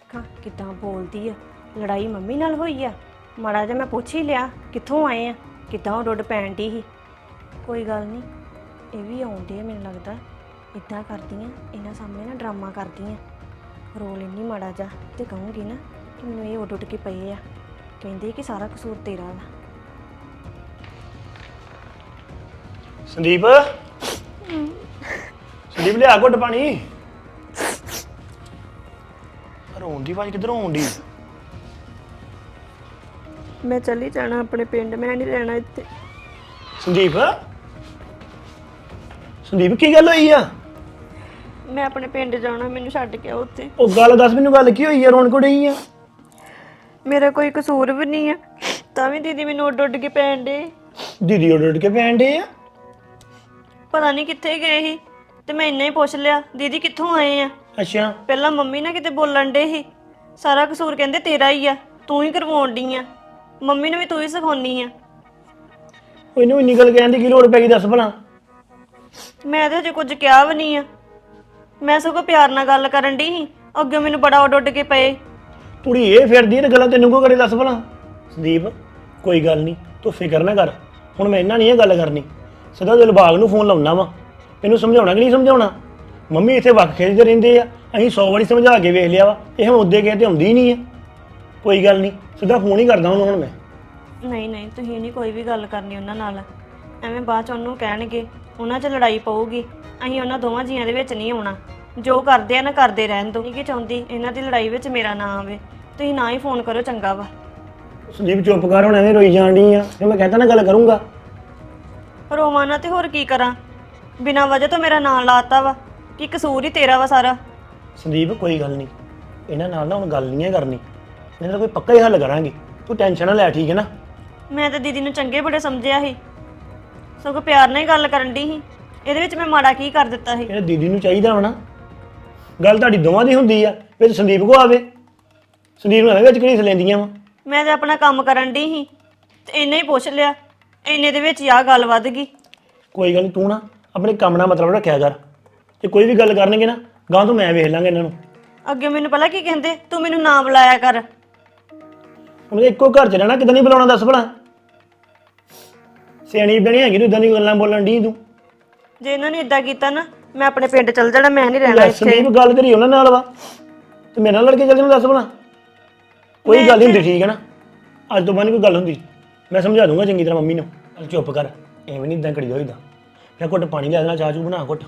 Speaker 5: ਕਿੱਦਾਂ ਬੋਲਦੀ ਆ। ਲੜਾਈ ਮੰਮੀ ਨਾਲ ਹੋਈ ਆ? ਮਾੜਾ ਜਿਹਾ ਮੈਂ ਪੁੱਛ ਹੀ ਲਿਆ ਕਿੱਥੋਂ ਆਏ ਆ, ਕਿੱਦਾਂ ਉਹ ਡੁੱਡ ਪੈਣ ਦੀ ਸੀ। ਕੋਈ ਗੱਲ ਨਹੀਂ, ਇਹ ਵੀ ਆਉਂਦੇ ਆ ਮੈਨੂੰ ਲੱਗਦਾ। ਇਦਾਂ ਕਰਦੀਆਂ ਇਹਨਾਂ ਸਾਹਮਣੇ ਨਾ ਡਰਾਮਾ ਕਰਦੀਆਂ, ਰੋਲ ਇੰਨੀ ਮਾੜਾ ਜਾ ਤੇ ਕਹੂੰਗੀ ਨਾ ਕਿ ਮੈਨੂੰ ਇਹ ਉੱਡ ਉੱਡ ਕੇ ਪਏ ਆ, ਕਹਿੰਦੇ ਕਿ ਸਾਰਾ ਕਸੂਰ ਤੇਰਾ ਵਾ।
Speaker 6: ਸੰਦੀਪ ਸੰਦੀਪ ਲਿਆ ਘੁੱਟ ਪਾਣੀ। ਰੋਣ ਦੀ ਆਵਾਜ਼ ਕਿੱਧਰੋਂ ਆਉਂਦੀ?
Speaker 5: ਮੈਂ ਚੱਲੀ ਜਾਣਾ ਆਪਣੇ ਪਿੰਡ, ਮੈਂ ਨਹੀਂ ਰਹਿਣਾ ਇੱਥੇ।
Speaker 6: ਸੰਦੀਪ ਸੰਦੀਪ ਕੀ ਗੱਲ ਹੋਈ ਆ?
Speaker 5: ਮੈਂ ਆਪਣੇ ਪਿੰਡ ਜਾਣਾ, ਮੈਨੂੰ ਛੱਡ ਕੇ ਆਓ ਉੱਥੇ।
Speaker 6: ਉਹ ਗੱਲ ਦੱਸ ਮੈਨੂੰ, ਗੱਲ ਕੀ ਹੋਈ ਆ? ਰੋਣ ਕਿਉਂ ਡਈ ਆ?
Speaker 5: ਮੇਰਾ ਕੋਈ ਕਸੂਰ ਵੀ ਨਹੀਂ ਆ, ਤਾਂ ਵੀ ਦੀਦੀ ਮੈਨੂੰ ਉੱਡ ਉੱਡ ਕੇ ਪੈਣ ਡੇ।
Speaker 6: ਦੀਦੀ ਉੱਡ ਉੱਡ ਕੇ ਪੈਣ ਡੇ ਆ?
Speaker 5: ਪਤਾ ਨਹੀਂ ਕਿੱਥੇ ਗਏ ਸੀ ਤੇ ਮੈਂ ਇੰਨਾ ਹੀ ਪੁੱਛ ਲਿਆ ਦੀਦੀ ਕਿੱਥੋਂ ਆਏ ਆ।
Speaker 6: ਅੱਛਾ,
Speaker 5: ਪਹਿਲਾਂ ਮੰਮੀ ਨਾ ਕਿਤੇ ਬੋਲਣ ਡੇ ਸੀ, ਸਾਰਾ ਕਸੂਰ ਕਹਿੰਦੇ ਤੇਰਾ ਹੀ ਆ, ਤੂੰ ਹੀ ਕਰਵਾਉਣ ਡਈ ਆ, ਮੰਮੀ ਨੂੰ ਵੀ ਤੂੰ ਹੀ ਸਿਖਾਉਣੀ ਆ।
Speaker 6: ਉਹ ਇਹਨੂੰ ਇੰਨੀ ਗੱਲ ਕਹਿਣ ਦੀ ਕੀ ਲੋੜ ਪੈ ਗਈ ਦੱਸ ਭਲਾ?
Speaker 5: ਮੈਂ ਤਾਂ ਹਜੇ ਕੁਝ ਕਿਹਾ ਵੀ ਨਹੀਂ ਆ, ਮੈਂ ਸਗੋਂ ਪਿਆਰ ਨਾਲ ਗੱਲ ਕਰਨ ਡਈ ਸੀ, ਅੱਗੇ ਮੈਨੂੰ ਬੜਾ ਉੱਡ ਉੱਡ ਕੇ ਪਏ।
Speaker 6: ਕੁੜੀ ਇਹ ਫਿਰਦੀ ਹੈ ਤੇ ਗੱਲਾਂ ਤੈਨੂੰ ਕੋ ਕਰੇ ਦੱਸ ਭਲਾ? ਸੰਦੀਪ ਕੋਈ ਗੱਲ ਨਹੀਂ, ਤੂੰ ਫਿਕਰ ਨਾ ਕਰ। ਹੁਣ ਮੈਂ ਇਹਨਾਂ ਨਹੀਂ ਇਹ ਗੱਲ ਕਰਨੀ, ਸਿੱਧਾ ਦਿਲਬਾਗ ਨੂੰ ਫੋਨ ਲਾਉਣਾ ਵਾ, ਇਹਨੂੰ ਸਮਝਾਉਣਾ ਕਿ ਨਹੀਂ ਸਮਝਾਉਣਾ? ਮੰਮੀ ਇੱਥੇ ਵੱਖ ਖੇਡਦੇ ਰਹਿੰਦੇ ਆ, ਅਸੀਂ 100 ਵਾਰੀ ਸਮਝਾ ਕੇ ਵੇਖ ਲਿਆ ਵਾ, ਇਹ ਹੁਣ ਉੱਦੇ ਗਏ ਤੇ ਆਉਂਦੀ ਹੀ ਨਹੀਂ ਆ। ਕੋਈ ਗੱਲ ਨਹੀਂ, ਸਿੱਧਾ ਫੋਨ ਹੀ ਕਰਦਾ ਉਹਨੂੰ ਹੁਣ ਮੈਂ।
Speaker 5: ਨਹੀਂ ਨਹੀਂ, ਤੁਸੀਂ ਨਹੀਂ ਕੋਈ ਵੀ ਗੱਲ ਕਰਨੀ ਉਹਨਾਂ ਨਾਲ, ਐਵੇਂ ਬਾਅਦ ਚ ਉਹਨੂੰ ਕਹਿਣਗੇ, ਉਹਨਾਂ 'ਚ ਲੜਾਈ ਪਊਗੀ। ਅਸੀਂ ਉਹਨਾਂ ਦੋਵਾਂ ਜੀਆਂ ਦੇ ਵਿੱਚ ਨਹੀਂ ਆਉਣਾ, ਜੋ ਕਰਦੇ ਆ ਨਾ ਕਰਦੇ ਰਹਿਣ ਦੋ। ਕੀ ਚਾਹੁੰਦੀ ਇਹਨਾਂ ਦੀ ਲੜਾਈ ਵਿੱਚ ਮੇਰਾ ਨਾਂ ਆਵੇ, ਤੁਸੀਂ ਨਾ ਹੀ ਫੋਨ ਕਰੋ ਚੰਗਾ ਵਾ।
Speaker 6: ਸੰਦੀਪ ਚੁੱਪ ਕਰ, ਹੁਣ ਐਵੇਂ ਰੋਈ ਜਾਣ ਡਈ ਆ, ਜੇ ਮੈਂ ਕਹਿੰਦਾ ਨਾ ਗੱਲ ਕਰੂੰਗਾ।
Speaker 5: ਰੋਵਾਂ ਨਾ ਤੇ ਹੋਰ ਕੀ ਕਰਾਂ, ਬਿਨਾਂ ਵਜ੍ਹਾ ਤੋਂ ਮੇਰਾ ਨਾਂ ਲਾਤਾ ਵਾ, ਕੀ ਕਸੂਰ ਹੀ ਤੇਰਾ ਵਾ ਸਾਰਾ।
Speaker 6: ਸੰਦੀਪ ਕੋਈ ਗੱਲ ਨਹੀਂ, ਇਹਨਾਂ ਨਾਲ ਨਾ ਹੁਣ ਗੱਲ ਨਹੀਂ ਹੈ ਕਰਨੀ, ਇਹਨਾਂ ਦਾ ਕੋਈ ਪੱਕਾ ਹੀ ਹੱਲ ਕਰਾਂਗੇ, ਤੂੰ ਟੈਨਸ਼ਨ ਨਾ ਲੈ, ਠੀਕ ਹੈ ਨਾ?
Speaker 5: ਮੈਂ ਤਾਂ ਦੀਦੀ ਨੂੰ ਚੰਗੇ ਬੜੇ ਸਮਝਿਆ ਸੀ, ਸਗੋਂ ਪਿਆਰ ਨਾਲ ਹੀ ਗੱਲ ਕਰਨ ਦੀ ਸੀ, ਇਹਦੇ ਵਿੱਚ ਮੈਂ ਮਾੜਾ ਕੀ ਕਰ ਦਿੱਤਾ ਸੀ?
Speaker 6: ਇਹ ਦੀਦੀ ਨੂੰ ਚਾਹੀਦਾ ਵਾ ਨਾ, ਗੱਲ ਤੁਹਾਡੀ ਦੋਵਾਂ ਦੀ ਹੁੰਦੀ ਆ, ਵਿੱਚ ਸੰਦੀਪ ਕੋ ਆਵੇ, ਸੰਦੀਪ ਨੂੰ ਐਵੇਂ ਵਿੱਚ ਘੜੀਸ ਲੈਂਦੀਆਂ ਵਾ।
Speaker 5: ਮੈਂ ਤਾਂ ਆਪਣਾ ਕੰਮ ਕਰਨ ਦੀ ਸੀ ਤੇ ਇੰਨੇ ਹੀ ਪੁੱਛ ਲਿਆ, ਇੰਨੇ ਦੇ ਵਿੱਚ ਹੀ ਆਹ ਗੱਲ ਵੱਧ ਗਈ।
Speaker 6: ਕੋਈ ਗੱਲ ਨਹੀਂ, ਤੂੰ ਨਾ ਆਪਣੇ ਕੰਮ ਨਾਲ ਮਤਲਬ ਰੱਖਿਆ ਕਰ, ਤੇ ਕੋਈ ਵੀ ਗੱਲ ਕਰਨਗੇ ਨਾ ਗਾਂ ਤੋਂ ਮੈਂ ਵੇਖ ਲਾਂਗਾ ਇਹਨਾਂ ਨੂੰ।
Speaker 5: ਅੱਗੇ ਮੈਨੂੰ ਪਹਿਲਾਂ ਕੀ ਕਹਿੰਦੇ, ਤੂੰ ਮੈਨੂੰ ਨਾ ਬੁਲਾਇਆ ਕਰ।
Speaker 6: ਹੁਣ ਇੱਕੋ ਘਰ ਚ ਰਹਿਣਾ, ਕਿਦਾਂ ਨਹੀਂ ਬੁਲਾਉਣਾ ਦੱਸ ਭਲਾ? ਸਿਆਣੀ ਬਣੀ ਹੈਗੀ ਤੂੰ, ਇਦਾਂ ਦੀ ਗੱਲਾਂ ਬੋਲਣ ਦੀ ਤੂੰ।
Speaker 5: ਜੇ ਇਹਨਾਂ ਨੇ ਇਦਾਂ ਕੀਤਾ ਨਾ, ਮੈਂ ਆਪਣੇ ਪਿੰਡ ਚਲ ਜਾਣਾ, ਮੈਂ ਨਹੀਂ ਰਹਿਣਾ ਇੱਥੇ।
Speaker 6: ਸੰਦੀਪ ਗੱਲ ਤੇਰੀ ਉਹਨਾਂ ਨਾਲ ਵਾ ਤੇ ਮੇਰੇ ਨਾਲ ਲੜ ਕੇ ਚੱਲ ਜਾਣਾ ਦੱਸ ਭਲਾ? ਕੋਈ ਗੱਲ ਨਹੀਂ ਹੁੰਦੀ, ਠੀਕ ਹੈ ਨਾ? ਅੱਜ ਤੋਂ ਬਾਅਦ ਨਹੀਂ ਕੋਈ ਗੱਲ ਹੁੰਦੀ, ਮੈਂ ਸਮਝਾ ਦੂੰਗਾ ਚੰਗੀ ਤਰ੍ਹਾਂ ਮੰਮੀ ਨੂੰ। ਚੱਲ ਚੁੱਪ ਕਰ, ਐਵੇਂ ਨਹੀਂ ਇਦਾਂ ਕਰੀ ਹੋਈਦਾ। ਫਿਰ ਘੁੱਟ ਪਾਣੀ ਲੈ ਦੇਣਾ, ਚਾਹ ਚੂ ਬਣਾ ਘੁੱਟ।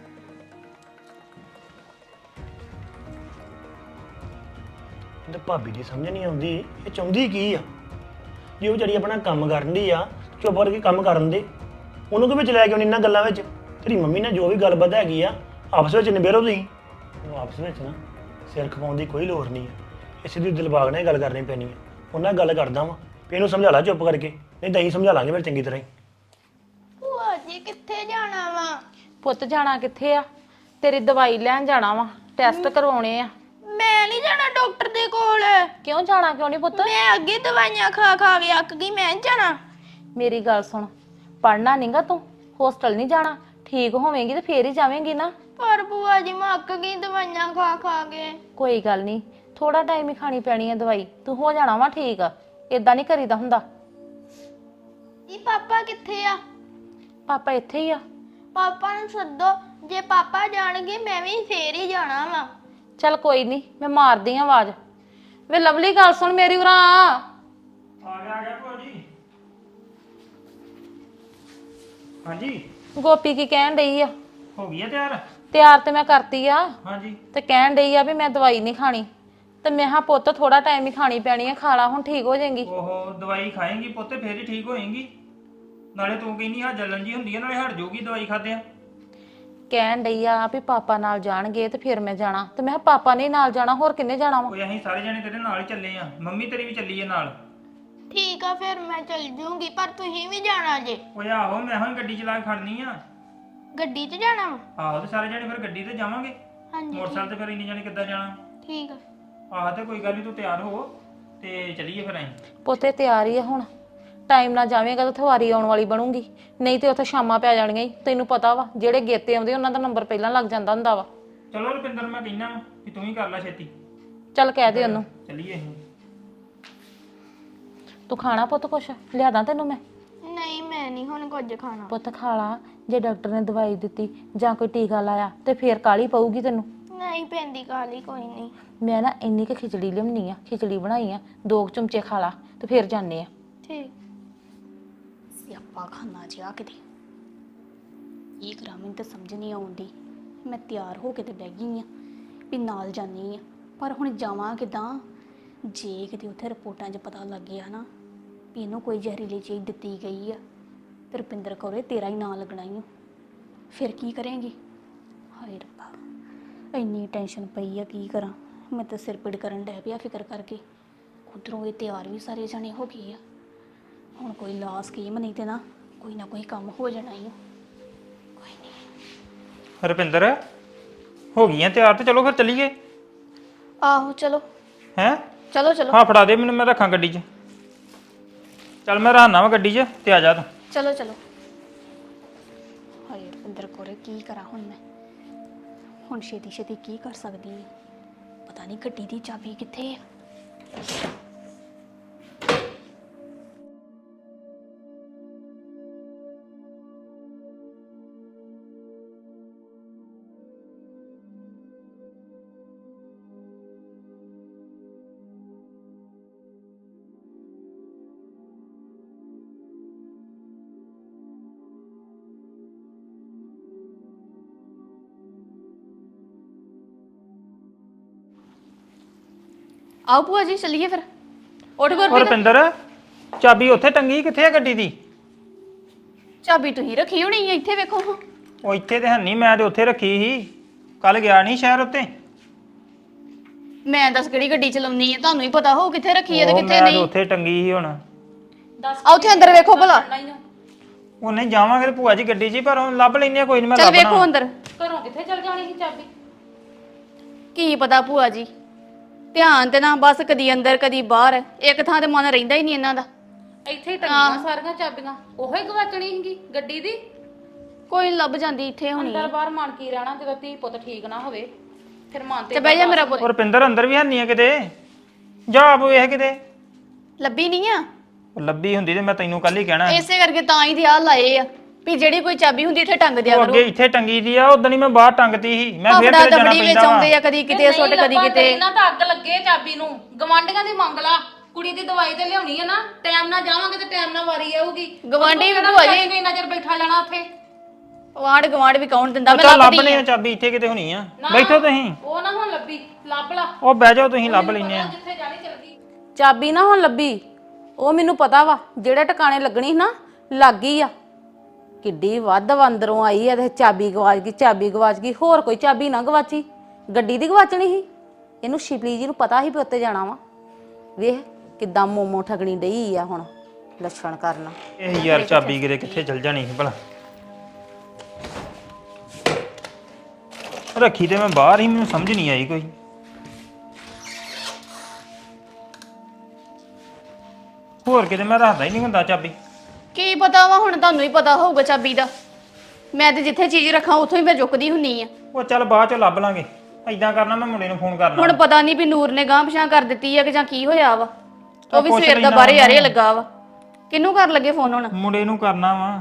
Speaker 6: ਤੇ ਭਾਬੀ ਦੀ ਸਮਝ ਨਹੀਂ ਆਉਂਦੀ ਇਹ ਚਾਹੁੰਦੀ ਕੀ ਆ। ਜੇ ਉਹ ਵਿਚਾਰੀ ਆਪਣਾ ਕੰਮ ਕਰਨ ਦੀ ਆ, ਚੁੱਪ ਕਰਕੇ ਕੰਮ ਕਰਨ ਦੇ, ਉਹਨੂੰ ਕਿ ਵਿੱਚ ਲੈ ਕੇ ਆਉਣੀ ਇਹਨਾਂ ਗੱਲਾਂ ਵਿੱਚ? ਤੇਰੀ ਮੰਮੀ ਨਾਲ ਜੋ ਵੀ ਗੱਲਬਾਤ ਹੈਗੀ ਆ ਆਪਸ ਵਿੱਚ ਨਿਬੇੜੋ ਤੁਸੀਂ। ਉਹ ਆਪਸ ਵਿੱਚ ਨਾ ਸਿਰ ਖਪਾਉਣ ਦੀ ਕੋਈ ਲੋੜ ਨਹੀਂ ਹੈ, ਇਸੇ ਦੀ ਦਿਲਬਾਗ ਨਾਲ ਹੀ ਗੱਲ ਕਰਨੀ ਪੈਣੀ ਹੈ। ਉਹਨਾਂ ਗੱਲ ਕਰਦਾ ਵਾਂ ਵੀ ਇਹਨੂੰ ਸਮਝਾ ਲਾ ਚੁੱਪ ਕਰਕੇ, ਨਹੀਂ ਤਾਂ ਅਸੀਂ ਸਮਝਾ ਲਾਂਗੇ ਫਿਰ ਚੰਗੀ ਤਰ੍ਹਾਂ ਹੀ।
Speaker 1: ਭੂਆ ਜੀ ਕਿੱਥੇ ਜਾਣਾ ਵਾ?
Speaker 2: ਪੁੱਤ ਜਾਣਾ ਕਿੱਥੇ ਆ? ਤੇਰੀ ਦਵਾਈ ਲੈਣ ਜਾਣਾ ਵਾ, ਟੈਸਟ ਕਰਵਾਉਣੇ ਆ।
Speaker 1: ਮੈਂ ਨਹੀਂ ਜਾਣਾ ਡਾਕਟਰ ਦੇ ਕੋਲ।
Speaker 2: ਕਿਉਂ ਜਾਣਾ ਕਿਉਂ ਨਹੀਂ ਪੁੱਤ?
Speaker 1: ਮੈਂ ਅੱਗੇ ਦਵਾਈਆਂ ਖਾ ਖਾ ਕੇ ਅੱਕ ਗਈ, ਮੈਂ ਨੀ ਜਾਣਾ।
Speaker 2: ਮੇਰੀ ਗੱਲ ਸੁਣ, ਪੜਨਾ ਨਹੀਂਗਾ ਤੂੰ, ਹੋਸਟਲ ਨਹੀਂ ਜਾਣਾ, ਠੀਕ ਹੋਵੇਂਗੀ ਤੇ ਫੇਰ ਹੀ ਜਾਵੇਂਗੀ ਨਾ।
Speaker 1: ਪਰ ਭੂਆ ਜੀ ਮੈਂ ਅੱਕ ਗਈ ਦਵਾਈਆਂ ਖਾ ਖਾ ਕੇ।
Speaker 2: ਕੋਈ ਗੱਲ ਨਹੀਂ, ਥੋੜਾ ਟਾਈਮ ਹੀ ਖਾਣੀ ਪੈਣੀ ਹੈ ਦਵਾਈ, ਤੂੰ ਹੋ ਜਾਣਾ ਵਾ ਠੀਕ ਆ। ਇਦਾਂ ਨਹੀਂ ਕਰੀਦਾ ਹੁੰਦਾ।
Speaker 1: ਜੀ ਪਾਪਾ ਕਿੱਥੇ ਆ?
Speaker 2: ਪਾਪਾ ਇੱਥੇ ਹੀ ਆ।
Speaker 1: ਪਾਪਾ ਨੂੰ ਸੱਦੋ, ਜੇ ਪਾਪਾ ਜਾਣਗੇ ਮੈਂ ਵੀ ਫੇਰ ਹੀ ਜਾਣਾ ਵਾ।
Speaker 2: ਚੱਲ ਕੋਈ ਨਹੀਂ, ਮੈਂ ਮਾਰਦੀ ਆ ਆਵਾਜ਼। ਵੇ ਲਵਲੀ ਗੱਲ ਸੁਣ ਮੇਰੀ, ਉਰਾਂ ਆ
Speaker 6: ਗਿਆ ਭਾਜੀ। ਹਾਂਜੀ
Speaker 2: ਗੋਪੀ ਕੀ ਕਹਿਣ ਡਈ ਆ?
Speaker 6: ਹੋ ਗਈ ਆ ਤਿਆਰ?
Speaker 2: ਤਿਆਰ ਤੇ ਮੈਂ ਕਰਤੀ ਆ,
Speaker 6: ਹਾਂਜੀ
Speaker 2: ਤੇ ਕਹਿਣ ਡਈ ਆ ਵੀ ਮੈਂ ਦਵਾਈ ਨਹੀਂ ਖਾਣੀ, ਤੇ ਮੈਂ ਹਾਂ ਪੁੱਤ ਥੋੜਾ ਟਾਈਮ ਹੀ ਖਾਣੀ ਪੈਣੀ ਆ, ਖਾ ਲਾ ਹੁਣ ਠੀਕ ਹੋ ਜਾਏਗੀ।
Speaker 7: ਉਹ ਦਵਾਈ ਖਾਏਂਗੀ ਪੁੱਤੇ ਫੇਰ ਹੀ ਠੀਕ ਹੋਏਂਗੀ। ਨਾਲੇ ਤੂੰ ਕਹਿੰਦੀ ਹਾਂ ਜਲਨ ਜੀ ਹੁੰਦੀ ਹੈ, ਨਾਲੇ ਹਟ ਜਾਊਗੀ ਦਵਾਈ ਖਾਦਿਆਂ।
Speaker 2: ਕਹਿਣ ਡਈ ਆ ਵੀ ਪਾਪਾ ਨਾਲ ਜਾਣਗੇ ਤੇ ਫਿਰ ਮੈਂ ਜਾਣਾ, ਤੇ ਮੈਂ ਕਿਹਾ ਪਾਪਾ ਨੇ ਨਾਲ ਜਾਣਾ, ਹੋਰ ਕਿੰਨੇ ਜਾਣਾ ਵਾ?
Speaker 7: ਕੋਈ ਅਸੀਂ ਸਾਰੇ ਜਣੇ ਤੇਰੇ ਨਾਲ ਹੀ ਚੱਲੇ ਆ, ਮੰਮੀ ਤੇਰੀ ਵੀ ਚੱਲੀ ਹੈ ਨਾਲ।
Speaker 1: ਠੀਕ ਆ ਫਿਰ ਮੈਂ ਚੱਲ ਜੂੰਗੀ, ਪਰ ਤੁਸੀਂ ਵੀ ਜਾਣਾ ਜੇ।
Speaker 7: ਓਏ ਆਹੋ, ਮੈਂ ਹੁਣ ਗੱਡੀ ਚਲਾ ਕੇ ਖੜਨੀ ਆ।
Speaker 1: ਗੱਡੀ 'ਚ ਜਾਣਾ ਵਾ?
Speaker 7: ਆਹੋ ਤੇ ਸਾਰੇ ਜਣੇ ਫਿਰ ਗੱਡੀ ਤੇ ਜਾਵਾਂਗੇ,
Speaker 1: ਹਾਂਜੀ
Speaker 7: ਮੋਟਰਸਾਈਕਲ ਤੇ ਫਿਰ ਇੰਨੇ ਜਣੇ ਕਿੱਦਾਂ ਜਾਣਾ?
Speaker 1: ਠੀਕ ਆ।
Speaker 7: ਆਹ ਤੇ ਕੋਈ ਗੱਲ ਨਹੀਂ, ਤੂੰ ਤਿਆਰ ਹੋ ਤੇ ਚੱਲੀਏ ਫਿਰ ਅਸੀਂ।
Speaker 2: ਪੁੱਤੇ ਤਿਆਰ ਹੀ ਆ ਹੁਣ, ਟਾਈਮ ਨਾਲ ਜਾਵੇਂਗਾ ਤਾਂ ਉੱਥੇ ਵਾਰੀ ਆਉਣ ਵਾਲੀ ਬਣੂਗੀ, ਨਹੀਂ ਤੇ ਉੱਥੇ ਸ਼ਾਮਾਂ ਪੈ ਜਾਣੀਆਂ ਈ। ਤੈਨੂੰ ਪਤਾ ਵਾ ਜਿਹੜੇ ਗੇਤੇ ਆਉਂਦੇ ਉਹਨਾਂ ਦਾ ਨੰਬਰ ਪਹਿਲਾਂ ਲੱਗ ਜਾਂਦਾ ਹੁੰਦਾ ਵਾ।
Speaker 7: ਚਲੋ ਰੁਪਿੰਦਰ, ਮੈਂ ਕਹਿਣਾ ਕਿ ਤੂੰ ਹੀ ਕਰ ਲੈ ਛੇਤੀ।
Speaker 2: ਚੱਲ ਕਹਿ ਦੇ ਉਹਨੂੰ।
Speaker 7: ਚੱਲੀਏ ਅਸੀਂ।
Speaker 2: ਤੂੰ ਖਾਣਾ ਪੁੱਤ ਕੁਛ ਲਿਆਦਾ ਤੈਨੂੰ ਮੈਂ?
Speaker 8: ਮੈਂ ਨਹੀਂ ਹੁਣ ਕੁਝ ਖਾਣਾ।
Speaker 2: ਪੁੱਤ ਖਾ ਲਾ। ਜੇ ਡਾਕਟਰ ਨੇ ਦਵਾਈ ਦਿੱਤੀ ਜਾਂ ਕੋਈ ਟੀਕਾ ਲਾਇਆ ਤੇ ਫੇਰ ਕਾਲੀ ਪਊਗੀ ਤੈਨੂੰ।
Speaker 8: ਨਹੀਂ ਪੈਂਦੀ ਕਾਲੀ, ਕੋਈ ਨਹੀਂ।
Speaker 2: ਮੈਂ ਨਾ ਇੰਨੀ ਕੁ ਖਿਚੜੀ ਲਿਆਉਣੀ ਆ, ਖਿਚੜੀ ਬਣਾਈ ਆ, 2 ਚਮਚੇ ਖਾ ਲਾ ਤੇ ਫੇਰ ਜਾਂਦੇ ਆ।
Speaker 8: ਠੀਕ।
Speaker 1: ਸਿਆਪਾ ਖਾਨਾ ਜਿਹਾ ਕਿਤੇ ਇਹ ਕਰਾਂ, ਮੈਨੂੰ ਤਾਂ ਸਮਝ ਨਹੀਂ ਆਉਂਦੀ। ਮੈਂ ਤਿਆਰ ਹੋ ਕੇ ਤੇ ਬਹਿ ਗਈ ਆ ਵੀ ਨਾਲ ਜਾਣੀ ਆ, ਪਰ ਹੁਣ ਜਾਵਾਂ ਕਿੱਦਾਂ? ਜੇ ਕਿਤੇ ਉੱਥੇ ਰਿਪੋਰਟਾਂ 'ਚ ਪਤਾ ਲੱਗ ਗਿਆ ਨਾ ਵੀ ਇਹਨੂੰ ਕੋਈ ਜ਼ਹਿਰੀਲੀ ਚੀਜ਼ ਦਿੱਤੀ ਗਈ ਆ ਤੇ ਰੁਪਿੰਦਰ ਕੌਰੇ ਤੇਰਾ ਹੀ ਨਾਂ ਲੱਗਣਾ ਹੀ ਆ, ਫਿਰ ਕੀ ਕਰੇਂਗੀ? ਹਾਏ ਰੱਬਾ, ਇੰਨੀ ਟੈਨਸ਼ਨ ਪਈ ਆ, ਕੀ ਕਰਾਂ? ਮੈਂ ਤਾਂ ਸਿਰ ਪੀੜ ਕਰਨ ਡੈ ਪਿਆ ਫਿਕਰ ਕਰਕੇ। ਉੱਧਰੋਂ ਇਹ ਤਿਆਰ ਵੀ ਸਾਰੇ ਜਣੇ ਹੋ ਗਏ ਆ। ਹੁਣ ਕੋਈ ਲਾ ਸਕੀਮ ਨਹੀਂ ਤੇ ਨਾ ਕੋਈ ਕੰਮ ਹੋ ਜਾਣਾ ਹੀ ਆ। ਕੋਈ ਨਹੀਂ।
Speaker 7: ਰੁਪਿੰਦਰ ਹੋ ਗਈਆਂ ਤਿਆਰ ਤੇ ਚਲੋ ਫਿਰ ਚੱਲੀਏ।
Speaker 1: ਆਹੋ ਚਲੋ।
Speaker 7: ਹੈ
Speaker 1: ਚਲੋ ਚਲੋ
Speaker 7: ਹਾਂ ਫੜਾ ਦੇ ਮੈਨੂੰ, ਮੈਂ ਰੱਖਾਂ ਗੱਡੀ 'ਚ। ਚੱਲ ਮੈਂ ਰਹਿਣਾ ਵਾ ਗੱਡੀ 'ਚ ਤੇ ਆ ਜਾ ਤੂੰ।
Speaker 1: ਚਲੋ ਚਲੋ। ਹਾਏ ਰੁਪਿੰਦਰ ਕੌਰੇ, ਕੀ ਕਰਾਂ ਹੁਣ ਮੈਂ? ਹੁਣ ਛੇਤੀ ਛੇਤੀ ਕੀ ਕਰ ਸਕਦੀ ਹਾਂ? ਪਤਾ ਨਹੀਂ ਗੱਡੀ ਦੀ ਚਾਬੀ ਕਿੱਥੇ ਆ। ਆਓ ਭੂਆ ਜੀ ਚੱਲੀਏ ਫਿਰ। ਉੱਠ
Speaker 7: ਹੋਰ
Speaker 1: ਗੁਰਪ੍ਰੀਤ,
Speaker 7: ਰੁਪਿੰਦਰ ਚਾਬੀ ਉੱਥੇ ਟੰਗੀ ਕਿੱਥੇ ਆ ਗੱਡੀ ਦੀ?
Speaker 1: ਚਾਬੀ ਤੁਸੀਂ ਰੱਖੀ ਹੋਣੀ ਹੈ ਇੱਥੇ, ਵੇਖੋ ਹਾਂ।
Speaker 7: ਉਹ ਇੱਥੇ ਤੇ ਹੈ ਨਹੀਂ, ਮੈਂ ਤੇ ਉੱਥੇ ਰੱਖੀ ਸੀ। ਕੱਲ ਗਿਆ ਨਹੀਂ ਸ਼ਹਿਰ ਉੱਤੇ।
Speaker 1: ਮੈਂ ਦੱਸ ਕਿਹੜੀ ਗੱਡੀ ਚਲਾਉਣੀ ਹੈ, ਤੁਹਾਨੂੰ ਹੀ ਪਤਾ ਹੋਊ ਕਿੱਥੇ ਰੱਖੀ ਹੈ ਤੇ
Speaker 7: ਉਹ
Speaker 1: ਕਿੱਥੇ
Speaker 7: ਮੈਂ ਤੇ
Speaker 1: ਨਹੀਂ।
Speaker 7: ਉੱਥੇ ਟੰਗੀ ਸੀ ਹੁਣ।
Speaker 1: ਆ ਉੱਥੇ ਅੰਦਰ ਵੇਖੋ ਭਲਾ।
Speaker 7: ਉਹ ਨਹੀਂ ਜਾਵਾਂਗੇ ਤੇ ਭੂਆ ਜੀ ਗੱਡੀ 'ਚ ਹੀ, ਪਰ ਹੁਣ ਲੱਭ ਲੈਂਦੇ ਆ, ਕੋਈ ਨਹੀਂ ਮੈਂ
Speaker 1: ਚੱਲ
Speaker 7: ਲੱਭਣਾ।
Speaker 1: ਵੇਖੋ ਅੰਦਰ।
Speaker 2: ਘਰੋਂ ਕਿੱਥੇ ਚਲ ਜਾਣੀ ਸੀ ਚਾਬੀ?
Speaker 1: ਕੀ ਪਤਾ ਭੂਆ ਜੀ, ਧਿਆਨ ਤੇ ਨਾ ਬਸ ਕਦੀ ਅੰਦਰ ਕਦੀ ਬਾਹਰ, ਇੱਕ ਥਾਂ ਤੇ ਮਨ ਰਹਿੰਦਾ ਹੀ ਨਹੀਂ ਇਹਨਾਂ ਦਾ।
Speaker 2: ਇੱਥੇ ਹੀ ਟੰਗੀਆਂ ਸਾਰੀਆਂ ਚਾਬੀਆਂ, ਉਹੋ ਹੀ ਗਵਾਚਣੀ ਸੀਗੀ ਗੱਡੀ ਦੀ।
Speaker 1: ਕੋਈ ਨੀ ਲੱਭ ਜਾਂਦੀ ਇੱਥੇ ਹੋਣੀ।
Speaker 2: ਅੰਦਰ ਬਾਹਰ ਮਨ ਕੀ ਰਹਿਣਾ ਜਦੋਂ ਧੀ ਪੁੱਤ ਠੀਕ ਨਾ ਹੋਵੇ, ਫਿਰ ਮਨ
Speaker 1: ਤੇ ਬਹਿ ਜਾ ਮੇਰਾ ਪੁੱਤ।
Speaker 7: ਉਹ ਰੁਪਿੰਦਰ ਅੰਦਰ ਵੀ ਹੈ ਨਹੀਂ ਆ ਕਿਤੇ, ਜਾ ਆਪ ਵੇਖ ਕਿਤੇ।
Speaker 1: ਲੱਭੀ ਨਹੀਂ ਆ?
Speaker 7: ਉਹ ਲੱਭੀ ਹੁੰਦੀ ਤੇ ਮੈਂ ਤੈਨੂੰ ਕੱਲ ਹੀ ਕਹਿਣਾ ਸੀ।
Speaker 1: ਇਸੇ ਕਰਕੇ ਤਾਂ ਹੀ ਤੇ ਆ ਲਾਏ ਆ ਵੀ ਜਿਹੜੀ ਕੋਈ ਚਾਬੀ ਹੁੰਦੀ ਇੱਥੇ ਟੰਗ ਦਿਆ
Speaker 7: ਉਹ
Speaker 1: ਕਰੋ।
Speaker 7: ਅੱਗੇ ਇੱਥੇ ਟੰਗੀ ਦੀ ਆ, ਉਦੋਂ ਹੀ ਮੈਂ ਬਾਹਰ ਟੰਗਤੀ ਸੀ। ਮੈਂ ਫੇਰ
Speaker 1: ਆਪਣਾ
Speaker 7: ਤੇਰੇ ਜਾਣਾ
Speaker 1: ਦਬੜੀ ਵਿੱਚ
Speaker 7: ਪੈਂਦਾ
Speaker 1: ਆਉਂਦੇ
Speaker 7: ਵਾ।
Speaker 1: ਆ, ਕਦੀ ਕਿਤੇ ਸੁੱਟ ਕਦੀ ਕਿਤੇ।
Speaker 2: ਇਹਨਾਂ ਤਾਂ ਅੱਗ ਲੱਗੇ ਚਾਬੀ ਨੂੰ, ਗਵਾਂਢੀਆਂ ਦੀ ਮੰਗ ਲਾ। ਕੁੜੀ ਦੀ ਦਵਾਈ ਤੇ ਲਿਆਉਣੀ ਹੈ ਨਾ, ਟਾਈਮ ਨਾਲ ਜਾਵਾਂਗੇ ਤੇ ਟਾਈਮ ਨਾਲ ਵਾਰੀ ਆਊਗੀ।
Speaker 1: ਗਵਾਂਢੀ ਵੀ ਭੂਆ ਜੀ,
Speaker 2: ਕਿੰਨਾ ਚਿਰ ਬੈਠਾ ਜਾਣਾ ਉੱਥੇ?
Speaker 1: ਵਾੜ ਗਵਾੜ ਵੀ ਕੌਣ ਦਿੰਦਾ? ਮੈਂ
Speaker 7: ਚੱਲ ਲੱਭ
Speaker 1: ਲੱਭਦੀ
Speaker 7: ਲਈ
Speaker 1: ਆ।
Speaker 7: ਆ ਚਾਬੀ, ਇੱਥੇ ਕਿਤੇ ਹੋਣੀ ਆ। ਬੈਠੋ ਤੁਸੀਂ।
Speaker 2: ਉਹ ਨਾ ਹੁਣ ਲੱਭੀ, ਲੱਭ ਲਾ।
Speaker 7: ਉਹ ਬਹਿ ਜਾਓ ਤੁਸੀਂ, ਲੱਭ ਲੈਨੇ ਆ।
Speaker 2: ਜਿੱਥੇ ਜਾਣੀ ਚਲ ਗਈ। ਚਾਬੀ ਨਾ ਹੁਣ ਲੱਭੀ, ਉਹ ਮੈਨੂੰ ਪਤਾ ਵਾ ਜਿਹੜੇ ਟਿਕਾਣੇ ਲੱਗਣੀ ਸੀ ਨਾ, ਲੱਗ ਗਈ ਆ। ਕਿੱਡੀ ਵੱਧ ਅੰਦਰੋਂ ਆਈ ਆ ਤੇ ਚਾਬੀ ਗਵਾਚ ਗਈ, ਚਾਬੀ ਗਵਾਚ ਗਈ। ਹੋਰ ਕੋਈ ਚਾਬੀ ਨਾ ਗਵਾਚੀ, ਗੱਡੀ ਦੀ ਗਵਾਚਣੀ ਸੀ। ਇਹਨੂੰ ਸ਼ਿਪਲੀ ਜੀ ਨੂੰ ਪਤਾ ਸੀ ਵੀ ਉੱਤੇ ਜਾਣਾ ਵਾ। ਵੇਖ ਕਿੱਦਾਂ ਮੋਮੋ ਠਗਣੀ ਡਈ ਆ ਹੁਣ ਲੱਛਣ ਕਰਨਾ।
Speaker 7: ਇਹ ਯਾਰ ਚਾਬੀ ਕਿੱਥੇ ਚਲ ਜਾਣੀ ਸੀ ਭਲਾ? ਰੱਖੀ ਤੇ ਮੈਂ ਬਾਹਰ ਹੀ, ਮੈਨੂੰ ਸਮਝ ਨਹੀਂ ਆਈ ਕੋਈ। ਹੋਰ ਕਿਤੇ ਮੈਂ ਰੱਖਦਾ ਹੀ ਨਹੀਂ ਹੁੰਦਾ ਚਾਬੀ।
Speaker 1: ਕੀ ਪਤਾ ਵਾ, ਹੁਣ ਤੁਹਾਨੂੰ ਹੀ ਪਤਾ ਹੋਊਗਾ ਚਾਬੀ ਦਾ। ਮੈਂ ਤੇ ਜਿੱਥੇ ਚੀਜ਼ ਰੱਖਾਂ ਉੱਥੋਂ ਹੀ ਮੈਂ ਚੁੱਕਦੀ ਹੁੰਨੀ ਆ।
Speaker 7: ਉਹ ਚੱਲ ਬਾਅਦ ਚ ਲੱਭ ਲਾਂਗੇ। ਐਦਾਂ ਕਰਨਾ, ਮੈਂ ਮੁੰਡੇ ਨੂੰ ਫੋਨ ਕਰਨਾ।
Speaker 1: ਹੁਣ ਪਤਾ ਨਹੀਂ ਵੀ ਨੂਰ ਨੇ ਗਾਂਹ ਪਛਾਂ ਕਰ ਦਿੱਤੀ ਆ ਕਿ ਜਾਂ ਕੀ ਹੋਇਆ ਵਾ। ਉਹ ਵੀ
Speaker 7: ਪੁੱਛ
Speaker 1: ਸਵੇਰ ਦਾ
Speaker 7: ਲੈਣਾ
Speaker 1: ਬਾਹਰੇ ਯਾਰੇ
Speaker 7: ਉਹਨੂੰ।
Speaker 1: ਲੱਗਾ ਵਾ। ਕਿਹਨੂੰ ਕਰ ਲੱਗੇ ਫੋਨ ਹੁਣ?
Speaker 7: ਮੁੰਡੇ ਨੂੰ ਕਰਨਾ ਵਾ।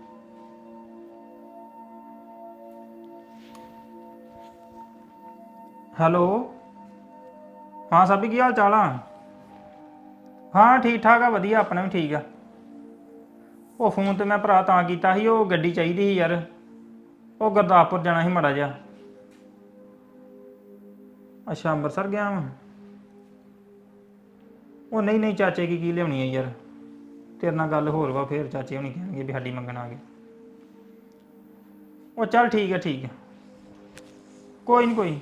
Speaker 7: ਹੈਲੋ, ਹਾਂ ਸਾਬੀ, ਕੀ ਹਾਲ ਚਾਲ ਆ? ਹਾਂ ਠੀਕ ਠਾਕ ਆ, ਵਧੀਆ, ਆਪਣਾ ਵੀ ਠੀਕ ਆ। ਉਹ ਫੋਨ ਤੇ ਮੈਂ ਭਰਾ ਤਾਂ ਕੀਤਾ ਸੀ, ਉਹ ਗੱਡੀ ਚਾਹੀਦੀ ਸੀ ਯਾਰ। ਉਹ ਗੁਰਦਾਸਪੁਰ ਜਾਣਾ ਸੀ ਮਾੜਾ ਜਿਹਾ। ਅੱਛਾ, ਅੰਮ੍ਰਿਤਸਰ ਗਿਆ ਵਾਂ। ਉਹ ਨਹੀਂ ਚਾਚੇ ਕੀ ਲਿਆਉਣੀ ਹੈ ਯਾਰ। ਤੇਰੇ ਨਾਲ ਗੱਲ ਹੋਰ ਵਾ, ਫੇਰ ਚਾਚੇ ਹੁਣੀ ਕਹਿਣਗੇ ਵੀ ਸਾਡੀ ਮੰਗਣ ਆ ਗਏ। ਉਹ ਚੱਲ ਠੀਕ ਹੈ। ਕੋਈ ਨਹੀਂ।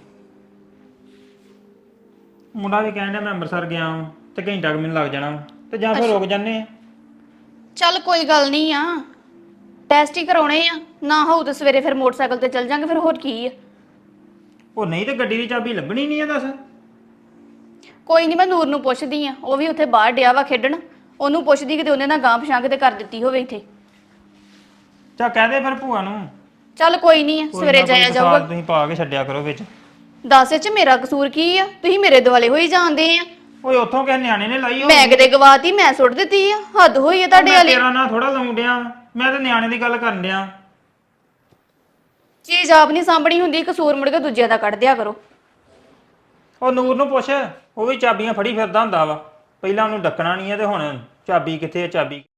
Speaker 7: ਮੁੰਡਾ ਵੀ ਕਹਿਣ ਡਿਆ ਮੈਂ ਅੰਮ੍ਰਿਤਸਰ ਗਿਆ ਵਾਂ ਤੇ ਘੰਟਾ ਕੁ ਮੈਨੂੰ ਲੱਗ ਜਾਣਾ ਵਾ, ਤੇ ਜਾਂ ਫਿਰ ਰੁਕ ਜਾਂਦੇ ਆ।
Speaker 1: ਚੱਲ ਕੋਈ ਗੱਲ ਨਹੀਂ ਆ, ਟੈਸਟ ਹੀ ਕਰਾਉਣੇ ਆ। ਨਾ ਹੋਊ ਤਾਂ ਸਵੇਰੇ ਫਿਰ ਮੋਟਰਸਾਈਕਲ ਤੇ ਚੱਲ ਜਾਾਂਗੇ, ਫਿਰ ਹੋਰ ਕੀ ਆ।
Speaker 7: ਉਹ ਨਹੀਂ ਤੇ ਗੱਡੀ ਦੀ ਚਾਬੀ ਲੱਭਣੀ ਨਹੀਂ ਆ, ਦੱਸ।
Speaker 1: ਕੋਈ ਨਹੀਂ, ਮੈਂ ਨੂਰ ਨੂੰ ਪੁੱਛਦੀ ਆ, ਉਹ ਵੀ ਉੱਥੇ ਬਾਹਰ ਡਿਆ ਵਾ ਖੇਡਣ। ਉਹਨੂੰ ਪੁੱਛਦੀ ਕਿਤੇ ਉਹਨੇ ਨਾ ਗਾਂਹ ਪਛਾਂ ਕਿਤੇ ਕਰ ਦਿੱਤੀ ਹੋਵੇ ਇੱਥੇ।
Speaker 7: ਚਾ ਕਹਿ ਦੇ ਫਿਰ ਭੂਆ ਨੂੰ।
Speaker 1: ਚੱਲ ਕੋਈ ਨਹੀਂ, ਸਵੇਰੇ ਜਾਇਆ ਜਾਊਗਾ।
Speaker 7: ਤੁਸੀਂ ਪਾ ਕੇ ਛੱਡਿਆ ਕਰੋ ਵਿੱਚ।
Speaker 1: ਦੱਸ ਇਹ ਚ ਮੇਰਾ ਕਸੂਰ ਕੀ ਆ? ਤੁਸੀਂ ਮੇਰੇ ਦੁਆਲੇ ਹੋਈ ਜਾਂਦੇ ਆ।
Speaker 7: ਓਏ ਉੱਥੋਂ ਕਿਸੇ ਨਿਆਣੇ ਨੇ ਲਾਈ
Speaker 1: ਮੈਂ ਕਿਤੇ ਗਵਾਤੀ, ਮੈਂ ਸੁੱਟ ਦਿੱਤੀ ਆ? ਹੱਦ ਹੋਈ ਆ ਤੁਹਾਡੇ ਵਾਲੀ।
Speaker 7: ਤੇਰਾ ਨਾਂ ਥੋੜਾ ਲਾਉਣ ਡਿਆ ਵਾਂ। ਮੈਂ ਤਾਂ ਨਿਆਣੇ ਦੀ ਗੱਲ ਕਰਨ ਡਿਆ।
Speaker 1: ਚੀਜ਼ ਆਪ ਨਹੀਂ ਸਾਂਭਣੀ ਹੁੰਦੀ, ਕਸੂਰ ਮੁੜ ਕੇ ਦੂਜਿਆਂ ਦਾ ਕੱਢ ਦਿਆ ਕਰੋ।
Speaker 7: ਉਹ ਨੂਰ ਨੂੰ ਪੁੱਛ, ਉਹ ਵੀ ਚਾਬੀਆਂ ਫੜੀ ਫਿਰਦਾ ਹੁੰਦਾ ਵਾ। ਪਹਿਲਾਂ ਉਹਨੂੰ ਡੱਕਣਾ ਨਹੀਂ ਆ ਤੇ ਹੁਣ ਚਾਬੀ ਕਿੱਥੇ ਆ ਚਾਬੀ।